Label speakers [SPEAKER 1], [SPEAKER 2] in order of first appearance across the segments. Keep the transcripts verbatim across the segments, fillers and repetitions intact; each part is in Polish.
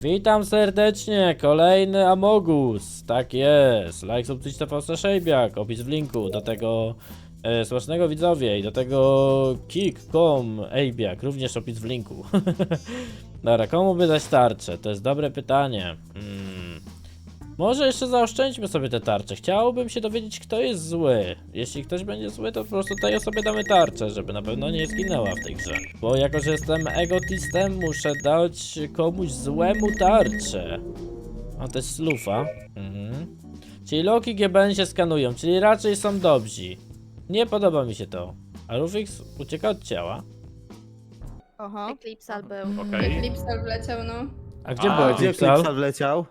[SPEAKER 1] Witam serdecznie, kolejny Amogus, tak jest, like, subskrypcja T V Szejbiak, opis w linku, do tego e, smacznego widzowie i do tego kick kropka com Ejbiak, również opis w linku. Dobra, komu by dać tarczę? To jest dobre pytanie. Hmm. Może jeszcze zaoszczędźmy sobie te tarcze, chciałbym się dowiedzieć, kto jest zły. Jeśli ktoś będzie zły, to po prostu tej osobie damy tarczę, żeby na pewno nie zginęła w tej grze. Bo jako, że jestem egotistem, muszę dać komuś złemu tarczę. A to jest lufa. Mhm. Czyli Loki G B N się skanują, czyli raczej są dobrzy. Nie podoba mi się to. A Rufix ucieka od ciała.
[SPEAKER 2] Aha.
[SPEAKER 3] Eclipsal był.
[SPEAKER 4] Okej.
[SPEAKER 5] Eclipsal wleciał, no.
[SPEAKER 1] A gdzie
[SPEAKER 4] A,
[SPEAKER 1] był
[SPEAKER 4] gdzie
[SPEAKER 1] Eclipsal?
[SPEAKER 6] Eclipsal wleciał?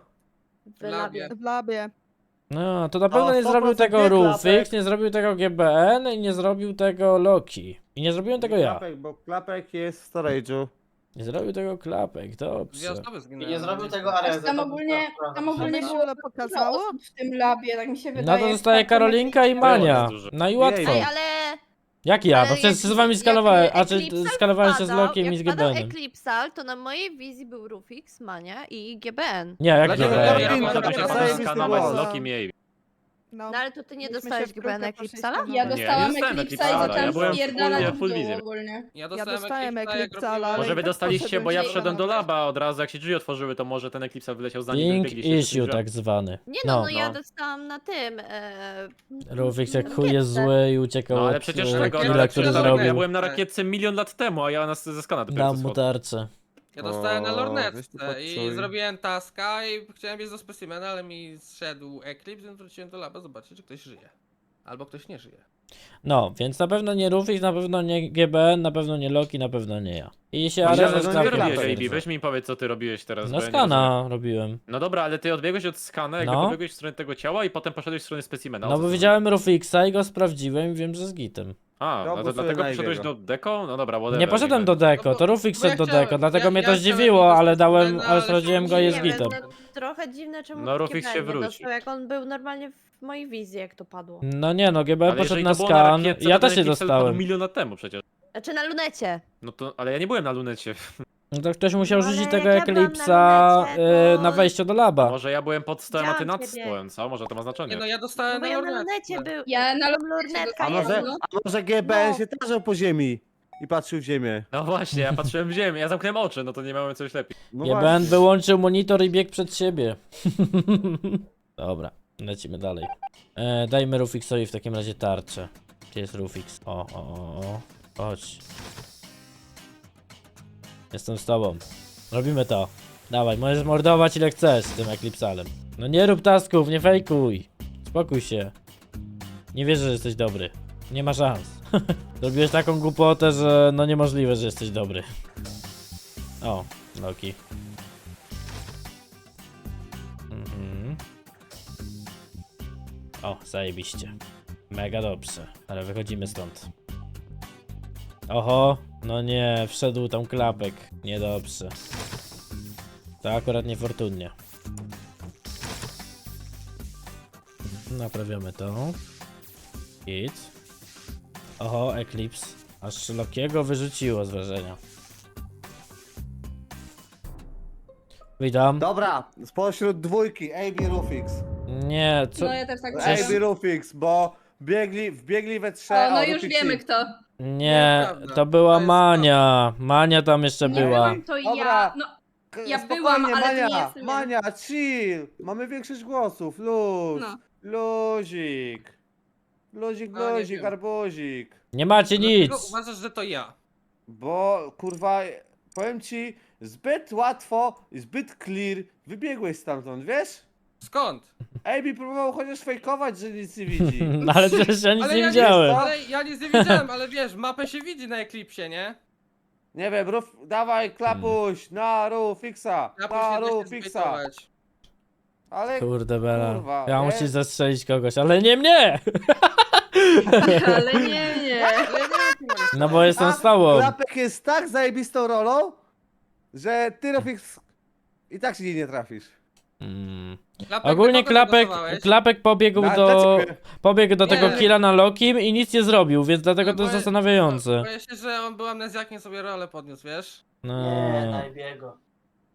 [SPEAKER 3] W labie.
[SPEAKER 2] W labie.
[SPEAKER 1] No, to na pewno
[SPEAKER 6] O,
[SPEAKER 1] nie zrobił
[SPEAKER 6] sto procent
[SPEAKER 1] tego
[SPEAKER 6] nie
[SPEAKER 1] Rufix,
[SPEAKER 6] klapek.
[SPEAKER 1] nie zrobił tego G B N i nie zrobił tego Loki. I nie zrobiłem tego ja.
[SPEAKER 6] Klapek, bo klapek jest w storage'u.
[SPEAKER 1] Nie zrobił tego Klapek,
[SPEAKER 4] Dwie
[SPEAKER 1] dobrze.
[SPEAKER 4] osoby
[SPEAKER 7] I
[SPEAKER 4] zginęły.
[SPEAKER 7] nie zrobił tego
[SPEAKER 5] Aż
[SPEAKER 7] Areza.
[SPEAKER 5] tam
[SPEAKER 7] to
[SPEAKER 5] ogólnie,
[SPEAKER 7] była
[SPEAKER 5] tam ogólnie
[SPEAKER 2] Żeby
[SPEAKER 5] było
[SPEAKER 2] się
[SPEAKER 5] dużo
[SPEAKER 2] pokazało?
[SPEAKER 5] osób w tym labie, tak mi się
[SPEAKER 1] No
[SPEAKER 5] wydaje.
[SPEAKER 1] to zostaje
[SPEAKER 5] Tak,
[SPEAKER 1] Karolinka i
[SPEAKER 5] to
[SPEAKER 1] Mania.
[SPEAKER 4] dużo.
[SPEAKER 1] No i
[SPEAKER 6] Jej,
[SPEAKER 1] łatwo.
[SPEAKER 3] Ej, ale...
[SPEAKER 1] Jak ja? No
[SPEAKER 3] ale
[SPEAKER 1] przecież
[SPEAKER 3] jak-
[SPEAKER 1] z wami
[SPEAKER 3] jak
[SPEAKER 1] skalowałem, a czy
[SPEAKER 3] Eclipsal
[SPEAKER 1] skalowałem się z
[SPEAKER 3] wpadał-
[SPEAKER 1] Lokiem i z
[SPEAKER 3] jak
[SPEAKER 1] G B
[SPEAKER 3] wpadał
[SPEAKER 1] N-em.
[SPEAKER 3] Eclipsal, to na mojej wizji był Rufix, Mania i G B N.
[SPEAKER 1] Nie, jak
[SPEAKER 4] Dlaczego
[SPEAKER 1] G B
[SPEAKER 4] ja
[SPEAKER 1] N?
[SPEAKER 6] Karolinka,
[SPEAKER 4] ja
[SPEAKER 6] to
[SPEAKER 4] potem się
[SPEAKER 6] jest
[SPEAKER 4] potem
[SPEAKER 6] zajebisty
[SPEAKER 4] skanować z
[SPEAKER 6] głos.
[SPEAKER 4] Loki Miej.
[SPEAKER 2] No.
[SPEAKER 3] No ale to ty nie
[SPEAKER 2] Myśmy
[SPEAKER 3] dostałeś
[SPEAKER 2] się w
[SPEAKER 3] G B N
[SPEAKER 2] trójkę
[SPEAKER 3] Eclipsala?
[SPEAKER 2] poszliśmy.
[SPEAKER 5] Ja
[SPEAKER 4] Nie,
[SPEAKER 5] dostałam
[SPEAKER 4] nie dostałem
[SPEAKER 5] Eclipsa i
[SPEAKER 4] Eclipsala,
[SPEAKER 5] zaczęłam
[SPEAKER 4] ja byłem
[SPEAKER 5] spierdalać
[SPEAKER 4] full-
[SPEAKER 5] w
[SPEAKER 4] full
[SPEAKER 5] dół
[SPEAKER 4] wizję.
[SPEAKER 5] ogólnie.
[SPEAKER 4] Ja
[SPEAKER 2] Ja dostałem Eclipsala, ale
[SPEAKER 4] Może
[SPEAKER 2] i
[SPEAKER 4] wy
[SPEAKER 2] tak
[SPEAKER 4] dostaliście,
[SPEAKER 2] poszedłem
[SPEAKER 4] bo ja
[SPEAKER 2] gdzieś
[SPEAKER 4] wszedłem
[SPEAKER 2] tam.
[SPEAKER 4] do laba od razu, jak się drzwi otworzyły, to może ten Eclipsal wyleciał zanim wy
[SPEAKER 1] Link
[SPEAKER 4] wybiegliście przez
[SPEAKER 1] issue
[SPEAKER 4] drzwi.
[SPEAKER 1] tak zwany.
[SPEAKER 3] Nie no, no,
[SPEAKER 4] No,
[SPEAKER 3] ja
[SPEAKER 4] no.
[SPEAKER 3] dostałam na tym. E...
[SPEAKER 1] Rufix jak
[SPEAKER 3] na
[SPEAKER 1] chuj jest
[SPEAKER 3] rakietce.
[SPEAKER 1] zły i uciekał
[SPEAKER 4] No ale
[SPEAKER 1] od
[SPEAKER 4] przecież
[SPEAKER 1] e,
[SPEAKER 4] tego,
[SPEAKER 1] killa,
[SPEAKER 4] ale
[SPEAKER 1] który
[SPEAKER 4] przecież ja
[SPEAKER 1] zrobił.
[SPEAKER 4] byłem na rakietce milion lat temu, a ja nas ze skana dopiero
[SPEAKER 1] Dam
[SPEAKER 4] co
[SPEAKER 1] mu
[SPEAKER 4] schodzę.
[SPEAKER 1] tarczę.
[SPEAKER 8] Ja dostałem na
[SPEAKER 6] O,
[SPEAKER 8] lornetce
[SPEAKER 6] weź tu
[SPEAKER 8] i
[SPEAKER 6] poczuj.
[SPEAKER 8] zrobiłem taska i chciałem biec do specimena, ale mi zszedł Eclipse, więc wróciłem do laba zobaczyć, czy ktoś żyje. Albo ktoś nie żyje.
[SPEAKER 1] No, więc na pewno nie Rufix, na pewno nie G B N, na pewno nie Loki, na pewno nie ja. I się
[SPEAKER 6] No,
[SPEAKER 1] Areza
[SPEAKER 6] ja
[SPEAKER 1] z
[SPEAKER 6] bym
[SPEAKER 4] Co ty
[SPEAKER 6] nie
[SPEAKER 1] Klapkiem
[SPEAKER 4] robiłeś,
[SPEAKER 6] klapek.
[SPEAKER 4] A B?
[SPEAKER 1] potwierdza.
[SPEAKER 4] Weź mi powiedz, co ty robiłeś teraz.
[SPEAKER 1] No
[SPEAKER 4] bo ja nie rozumiem.
[SPEAKER 1] skana robiłem.
[SPEAKER 4] No dobra, ale ty odbiegłeś od skana, jakby
[SPEAKER 1] No.
[SPEAKER 4] dobiegłeś w stronę tego ciała i potem poszedłeś w stronę specimena. O
[SPEAKER 1] No
[SPEAKER 4] co
[SPEAKER 1] bo
[SPEAKER 4] chodzi?
[SPEAKER 1] widziałem Rufixa i go sprawdziłem i wiem, że z gitem.
[SPEAKER 4] A,
[SPEAKER 6] Ja
[SPEAKER 4] no to
[SPEAKER 6] głosuję
[SPEAKER 4] dlatego
[SPEAKER 6] na
[SPEAKER 4] poszedłeś do
[SPEAKER 6] Ebiego.
[SPEAKER 4] deko? No dobra, whatever.
[SPEAKER 1] Nie poszedłem
[SPEAKER 4] niech
[SPEAKER 1] do
[SPEAKER 4] będzie.
[SPEAKER 1] deko, to Rufix
[SPEAKER 8] Bo ja
[SPEAKER 1] szedł do
[SPEAKER 8] chciałem-
[SPEAKER 1] deko, dlatego
[SPEAKER 8] ja-
[SPEAKER 1] mnie
[SPEAKER 8] ja
[SPEAKER 1] to
[SPEAKER 8] chciałem
[SPEAKER 1] zdziwiło,
[SPEAKER 8] iść do
[SPEAKER 1] ale dałem,
[SPEAKER 8] specimena,
[SPEAKER 1] ale
[SPEAKER 8] ale
[SPEAKER 1] sprawdziłem go
[SPEAKER 3] Nie
[SPEAKER 1] jest
[SPEAKER 3] wiem,
[SPEAKER 1] gitem.
[SPEAKER 3] no, trochę dziwne, czemu
[SPEAKER 4] No, Rufix
[SPEAKER 3] G B N
[SPEAKER 4] się
[SPEAKER 3] nie
[SPEAKER 4] wróci.
[SPEAKER 3] dostał, jak on był normalnie w mojej wizji, jak to padło.
[SPEAKER 1] No nie no, G B N
[SPEAKER 4] Ale
[SPEAKER 1] poszedł
[SPEAKER 4] jeżeli
[SPEAKER 1] na
[SPEAKER 4] to było
[SPEAKER 1] skan,
[SPEAKER 4] rakietce,
[SPEAKER 1] ja
[SPEAKER 4] to ten
[SPEAKER 1] też się
[SPEAKER 4] Eclipse padł
[SPEAKER 1] dostałem.
[SPEAKER 4] milion lat temu przecież.
[SPEAKER 3] Znaczy na lunecie.
[SPEAKER 4] No to, ale ja nie byłem na lunecie.
[SPEAKER 1] No to ktoś musiał
[SPEAKER 3] No, ale
[SPEAKER 1] rzucić
[SPEAKER 3] jak
[SPEAKER 1] tego
[SPEAKER 3] ja byłam na
[SPEAKER 1] Eclipsa
[SPEAKER 3] lunecie,
[SPEAKER 1] y,
[SPEAKER 3] to-
[SPEAKER 1] na wejściu do laba.
[SPEAKER 4] Może ja byłem pod stołem, a ty
[SPEAKER 3] Widziałam
[SPEAKER 4] nad
[SPEAKER 3] ciebie.
[SPEAKER 4] stołem, co? Może to ma znaczenie.
[SPEAKER 8] Nie no, ja
[SPEAKER 3] No
[SPEAKER 8] dostałem
[SPEAKER 3] bo
[SPEAKER 8] na
[SPEAKER 3] ja na
[SPEAKER 8] lornetce.
[SPEAKER 3] lunecie był.
[SPEAKER 5] Ja na
[SPEAKER 3] Tam
[SPEAKER 5] lornetce
[SPEAKER 3] lornetka
[SPEAKER 6] A
[SPEAKER 5] dostałem,
[SPEAKER 3] jest.
[SPEAKER 6] może,
[SPEAKER 5] no.
[SPEAKER 6] a może G B N
[SPEAKER 3] No.
[SPEAKER 6] się tarzał po ziemi i patrzył w ziemię?
[SPEAKER 4] No właśnie, ja patrzyłem w ziemię, ja zamknąłem oczy, no to nie miałem coś lepiej.
[SPEAKER 6] No
[SPEAKER 1] G B N
[SPEAKER 6] właśnie.
[SPEAKER 1] wyłączył monitor i biegł przed siebie. Dobra, lecimy dalej. E, dajmy Rufixowi w takim razie tarczę. Gdzie jest Rufix? O, o, o, o. Chodź. Jestem z tobą. Robimy to. Dawaj, możesz mordować ile chcesz z tym Eclipsalem. No nie rób tasków, nie fejkuj. Spokój się. Nie wierzę, że jesteś dobry. Nie ma szans. Zrobiłeś taką głupotę, że no niemożliwe, że jesteś dobry. O, Loki. Mhm. O, zajebiście. Mega dobrze. Ale wychodzimy stąd. Oho, no nie, wszedł tam Klapek. Niedobrze. To akurat niefortunnie. Naprawiamy to. Hit. Oho, Eclipse. Aż Lokiego wyrzuciło z wrażenia. Witam.
[SPEAKER 6] Dobra, spośród dwójki, A B Rufix.
[SPEAKER 1] Nie, co?
[SPEAKER 5] No ja też tak
[SPEAKER 6] A
[SPEAKER 1] Przecież-
[SPEAKER 6] B
[SPEAKER 5] myślę.
[SPEAKER 6] Rufix, bo biegli, wbiegli we trzech.
[SPEAKER 5] O, no
[SPEAKER 6] a
[SPEAKER 5] już
[SPEAKER 6] Rufix
[SPEAKER 5] wiemy
[SPEAKER 6] i-
[SPEAKER 5] kto.
[SPEAKER 1] Nie,
[SPEAKER 8] Nieprawda.
[SPEAKER 1] to była
[SPEAKER 8] To jest
[SPEAKER 1] Mania. Mania tam jeszcze
[SPEAKER 5] Nie
[SPEAKER 1] była.
[SPEAKER 5] wiem, to
[SPEAKER 6] Dobra.
[SPEAKER 5] ja. No,
[SPEAKER 6] K-
[SPEAKER 5] Ja
[SPEAKER 6] spokojnie,
[SPEAKER 5] byłam, ale to
[SPEAKER 6] Mania,
[SPEAKER 5] nie jestem ja.
[SPEAKER 6] Mania, chill. Mamy większość głosów, luz.
[SPEAKER 5] no.
[SPEAKER 6] Luzik. Luzik,
[SPEAKER 8] A, nie
[SPEAKER 6] luzik,
[SPEAKER 8] wiem.
[SPEAKER 6] arbuzik.
[SPEAKER 1] Nie macie
[SPEAKER 8] Dlaczego
[SPEAKER 1] nic.
[SPEAKER 8] uważasz, że to ja?
[SPEAKER 6] Bo, kurwa, powiem ci, zbyt łatwo, zbyt clear wybiegłeś stamtąd, wiesz?
[SPEAKER 8] Skąd?
[SPEAKER 6] A B próbował chociaż fejkować, że nic nie widzi.
[SPEAKER 1] No ale przecież ja nic
[SPEAKER 8] Ale
[SPEAKER 1] nie
[SPEAKER 8] ja
[SPEAKER 1] widziałem.
[SPEAKER 8] Ale ja nic nie widziałem, ale wiesz, mapę się widzi na Eclipsie, nie?
[SPEAKER 6] Nie wiem, ruf, dawaj, klapuś, na Rufixa,
[SPEAKER 8] Ja
[SPEAKER 6] na
[SPEAKER 8] później nie
[SPEAKER 6] Rufixa.
[SPEAKER 8] zbejtować.
[SPEAKER 6] Ale,
[SPEAKER 1] Kurde Bela.
[SPEAKER 6] Kurwa,
[SPEAKER 1] Ja
[SPEAKER 6] nie?
[SPEAKER 1] musisz zastrzelić kogoś, ale nie mnie!
[SPEAKER 5] Ale nie, nie.
[SPEAKER 8] Ale ja nie wiem,
[SPEAKER 1] No bo jestem
[SPEAKER 6] a
[SPEAKER 1] z tobą.
[SPEAKER 6] Klapek jest tak zajebistą rolą, że ty, Rufix, i tak się nie trafisz.
[SPEAKER 1] Mm.
[SPEAKER 8] Klapek,
[SPEAKER 1] Ogólnie
[SPEAKER 8] na kogo
[SPEAKER 1] klapek,
[SPEAKER 8] zagłosowałeś?
[SPEAKER 1] klapek pobiegł
[SPEAKER 6] Na-
[SPEAKER 1] do.
[SPEAKER 6] dla ciebie.
[SPEAKER 1] Pobiegł do tego
[SPEAKER 8] Nie.
[SPEAKER 1] killa na Lokim i nic nie zrobił, więc dlatego
[SPEAKER 8] No
[SPEAKER 1] to jest
[SPEAKER 8] bo-
[SPEAKER 1] zastanawiające.
[SPEAKER 8] Boję się, że on był amnezjakiem, sobie rolę podniósł, wiesz?
[SPEAKER 1] No.
[SPEAKER 7] Nie, na Ebiego.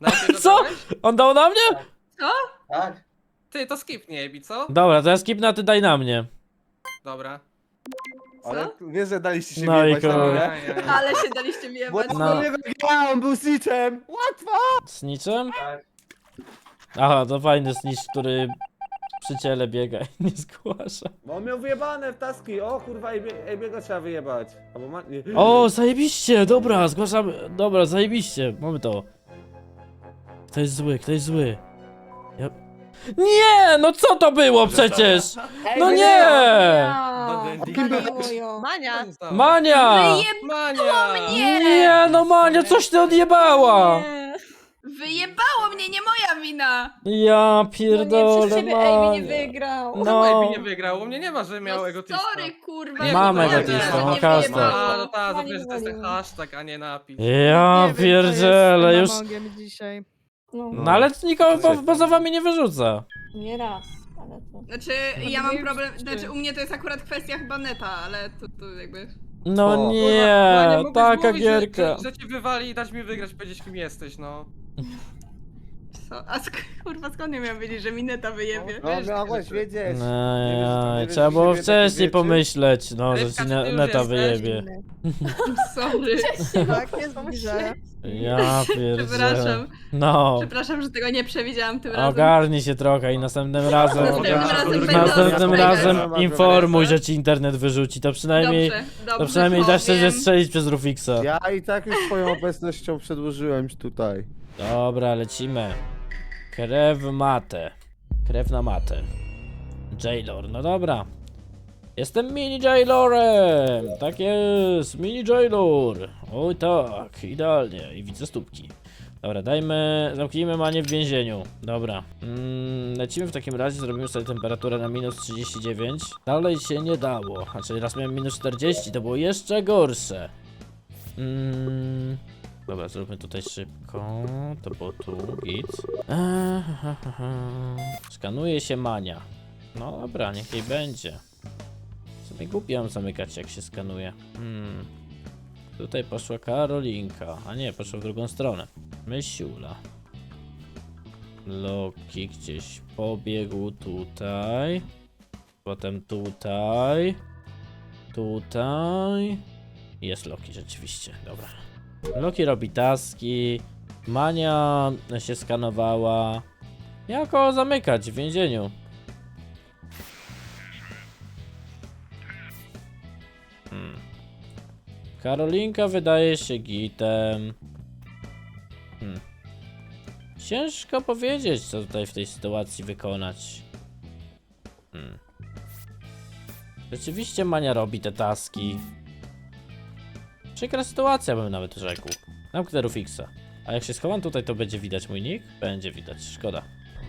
[SPEAKER 8] Najpierw
[SPEAKER 1] Co?
[SPEAKER 8] dodałeś?
[SPEAKER 1] On dał na mnie?
[SPEAKER 6] Tak?
[SPEAKER 8] Ty, to skipnij, Ebi, co?
[SPEAKER 1] Dobra, to ja skipnę, a ty daj na mnie.
[SPEAKER 8] Dobra.
[SPEAKER 6] Ale wiesz, że daliście się
[SPEAKER 1] No i
[SPEAKER 6] wyjebać na
[SPEAKER 1] kurde.
[SPEAKER 6] mnie?
[SPEAKER 8] Aj, aj, aj.
[SPEAKER 5] Ale się daliście
[SPEAKER 6] Bo
[SPEAKER 5] wyjebać.
[SPEAKER 6] to
[SPEAKER 1] No.
[SPEAKER 6] do niego grałem, był snitchem! Łatwo!
[SPEAKER 1] Z niczym?
[SPEAKER 6] Tak.
[SPEAKER 1] Aha, to fajny snitch, który przy ciele biega i nie zgłasza.
[SPEAKER 6] Bo on miał wyjebane w taski, o kurwa, Ebiego trzeba wyjebać. Albo ma... nie.
[SPEAKER 1] O, zajebiście, dobra, zgłaszamy. Dobra, zajebiście, mamy to. Kto jest zły, kto jest zły? Ja... Nie, no co to było przecież?
[SPEAKER 6] Ej,
[SPEAKER 1] No
[SPEAKER 6] wy-
[SPEAKER 1] nie!
[SPEAKER 2] Ja.
[SPEAKER 6] Kim był-
[SPEAKER 2] Mojo.
[SPEAKER 3] Mania!
[SPEAKER 1] Mania!
[SPEAKER 8] Mania!
[SPEAKER 1] Nie, no Mania, coś ty odjebała!
[SPEAKER 3] Nie.
[SPEAKER 5] Wyjebało mnie, nie moja wina!
[SPEAKER 1] Ja
[SPEAKER 5] No
[SPEAKER 1] pierdolę,
[SPEAKER 5] nie, przez ciebie Amy nie
[SPEAKER 1] Mania.
[SPEAKER 5] wygrał.
[SPEAKER 8] No.
[SPEAKER 1] No,
[SPEAKER 8] Ebi nie wygrał, u mnie nie ma, że miał
[SPEAKER 5] No
[SPEAKER 8] egotista.
[SPEAKER 5] sorry, kurwa.
[SPEAKER 8] Nie,
[SPEAKER 1] Mam
[SPEAKER 8] no to
[SPEAKER 1] egotista,
[SPEAKER 8] ja
[SPEAKER 1] mam
[SPEAKER 8] też.
[SPEAKER 5] nie
[SPEAKER 1] hashtag.
[SPEAKER 5] wyjebało.
[SPEAKER 8] A, no tak,
[SPEAKER 5] Pani
[SPEAKER 8] zapewne, że to jest ten
[SPEAKER 5] wywaliła.
[SPEAKER 8] hashtag, a nie napis.
[SPEAKER 1] ja
[SPEAKER 2] Nie wiem, co jest z
[SPEAKER 1] pierdzielę,
[SPEAKER 2] tym
[SPEAKER 1] już...
[SPEAKER 2] Amogiem dzisiaj.
[SPEAKER 5] No,
[SPEAKER 1] No ale nikogo po, poza wami nie wyrzuca.
[SPEAKER 5] nie raz, ale to...
[SPEAKER 7] Znaczy, ja mam problem, znaczy u mnie to jest akurat kwestia chyba neta, ale to, to jakby...
[SPEAKER 1] No
[SPEAKER 6] O.
[SPEAKER 8] Kurwa,
[SPEAKER 1] nie,
[SPEAKER 8] mógłbyś
[SPEAKER 1] taka
[SPEAKER 8] mówić, że-
[SPEAKER 1] gierka.
[SPEAKER 8] Że, że cię wywali i dać mi wygrać, powiedzieć kim jesteś, no.
[SPEAKER 7] Co? A sk kurwa skąd ja miałam wiedzieć, że mi neta wyjebie?
[SPEAKER 6] No miałeś wiedzieć.
[SPEAKER 1] No,
[SPEAKER 6] Nie wiesz,
[SPEAKER 1] ja,
[SPEAKER 6] nie wiesz,
[SPEAKER 1] trzeba
[SPEAKER 6] że
[SPEAKER 1] było
[SPEAKER 6] siebie
[SPEAKER 1] wcześniej
[SPEAKER 6] takie rzeczy?
[SPEAKER 1] pomyśleć, no, że
[SPEAKER 8] Rybka,
[SPEAKER 1] ci
[SPEAKER 8] czy
[SPEAKER 1] ne
[SPEAKER 8] ty już
[SPEAKER 1] neta
[SPEAKER 8] jesteś?
[SPEAKER 1] wyjebie.
[SPEAKER 7] Sorry,
[SPEAKER 2] Tak jest w grze.
[SPEAKER 1] Ja pierdzielę.
[SPEAKER 7] przepraszam.
[SPEAKER 1] No,
[SPEAKER 7] Przepraszam, że tego nie przewidziałam tym razem.
[SPEAKER 1] ogarnij się trochę i następnym razem,
[SPEAKER 7] Następnym razem będę
[SPEAKER 1] następnym
[SPEAKER 7] ostrożna.
[SPEAKER 1] razem informuj, że ci internet wyrzuci, to przynajmniej,
[SPEAKER 7] Dobrze, dobrze,
[SPEAKER 1] to przynajmniej dasz się
[SPEAKER 7] powiem.
[SPEAKER 1] zestrzelić przez Rufixa.
[SPEAKER 6] Ja i tak już swoją obecnością przedłużyłem tutaj.
[SPEAKER 1] Dobra, lecimy. Krew matę. Krew na matę. Jailor, no dobra. Jestem mini Jailorem! Tak jest, mini Jailor! Oj tak, idealnie. I widzę stópki. Dobra, dajmy, zamknijmy Manię w więzieniu. Dobra. Mm, lecimy w takim razie, zrobimy sobie temperaturę na minus trzydzieści dziewięć. Dalej się nie dało. Znaczy raz miałem minus czterdzieści, to było jeszcze gorsze. Mm, dobra, zróbmy tutaj szybko. To było tu, git. Eee, ha, ha, ha. Skanuje się Mania. No dobra, niech jej będzie. Sobie głupio ją zamykać, jak się skanuje. Hmm. Tutaj poszła Karolinka, a nie, poszła w drugą stronę. Mysiula. Loki gdzieś pobiegł tutaj. Potem tutaj. Tutaj. Jest Loki rzeczywiście, dobra. Loki robi taski. Mania się skanowała. Jak go zamykać w więzieniu? Hmm. Karolinka wydaje się gitem. Hmm. Ciężko powiedzieć, co tutaj w tej sytuacji wykonać. Hmm. Rzeczywiście Mania robi te taski. Przykra sytuacja, bym nawet rzekł. Zamknę Rufixa. A jak się schowam tutaj, to będzie widać mój nick? Będzie widać, szkoda.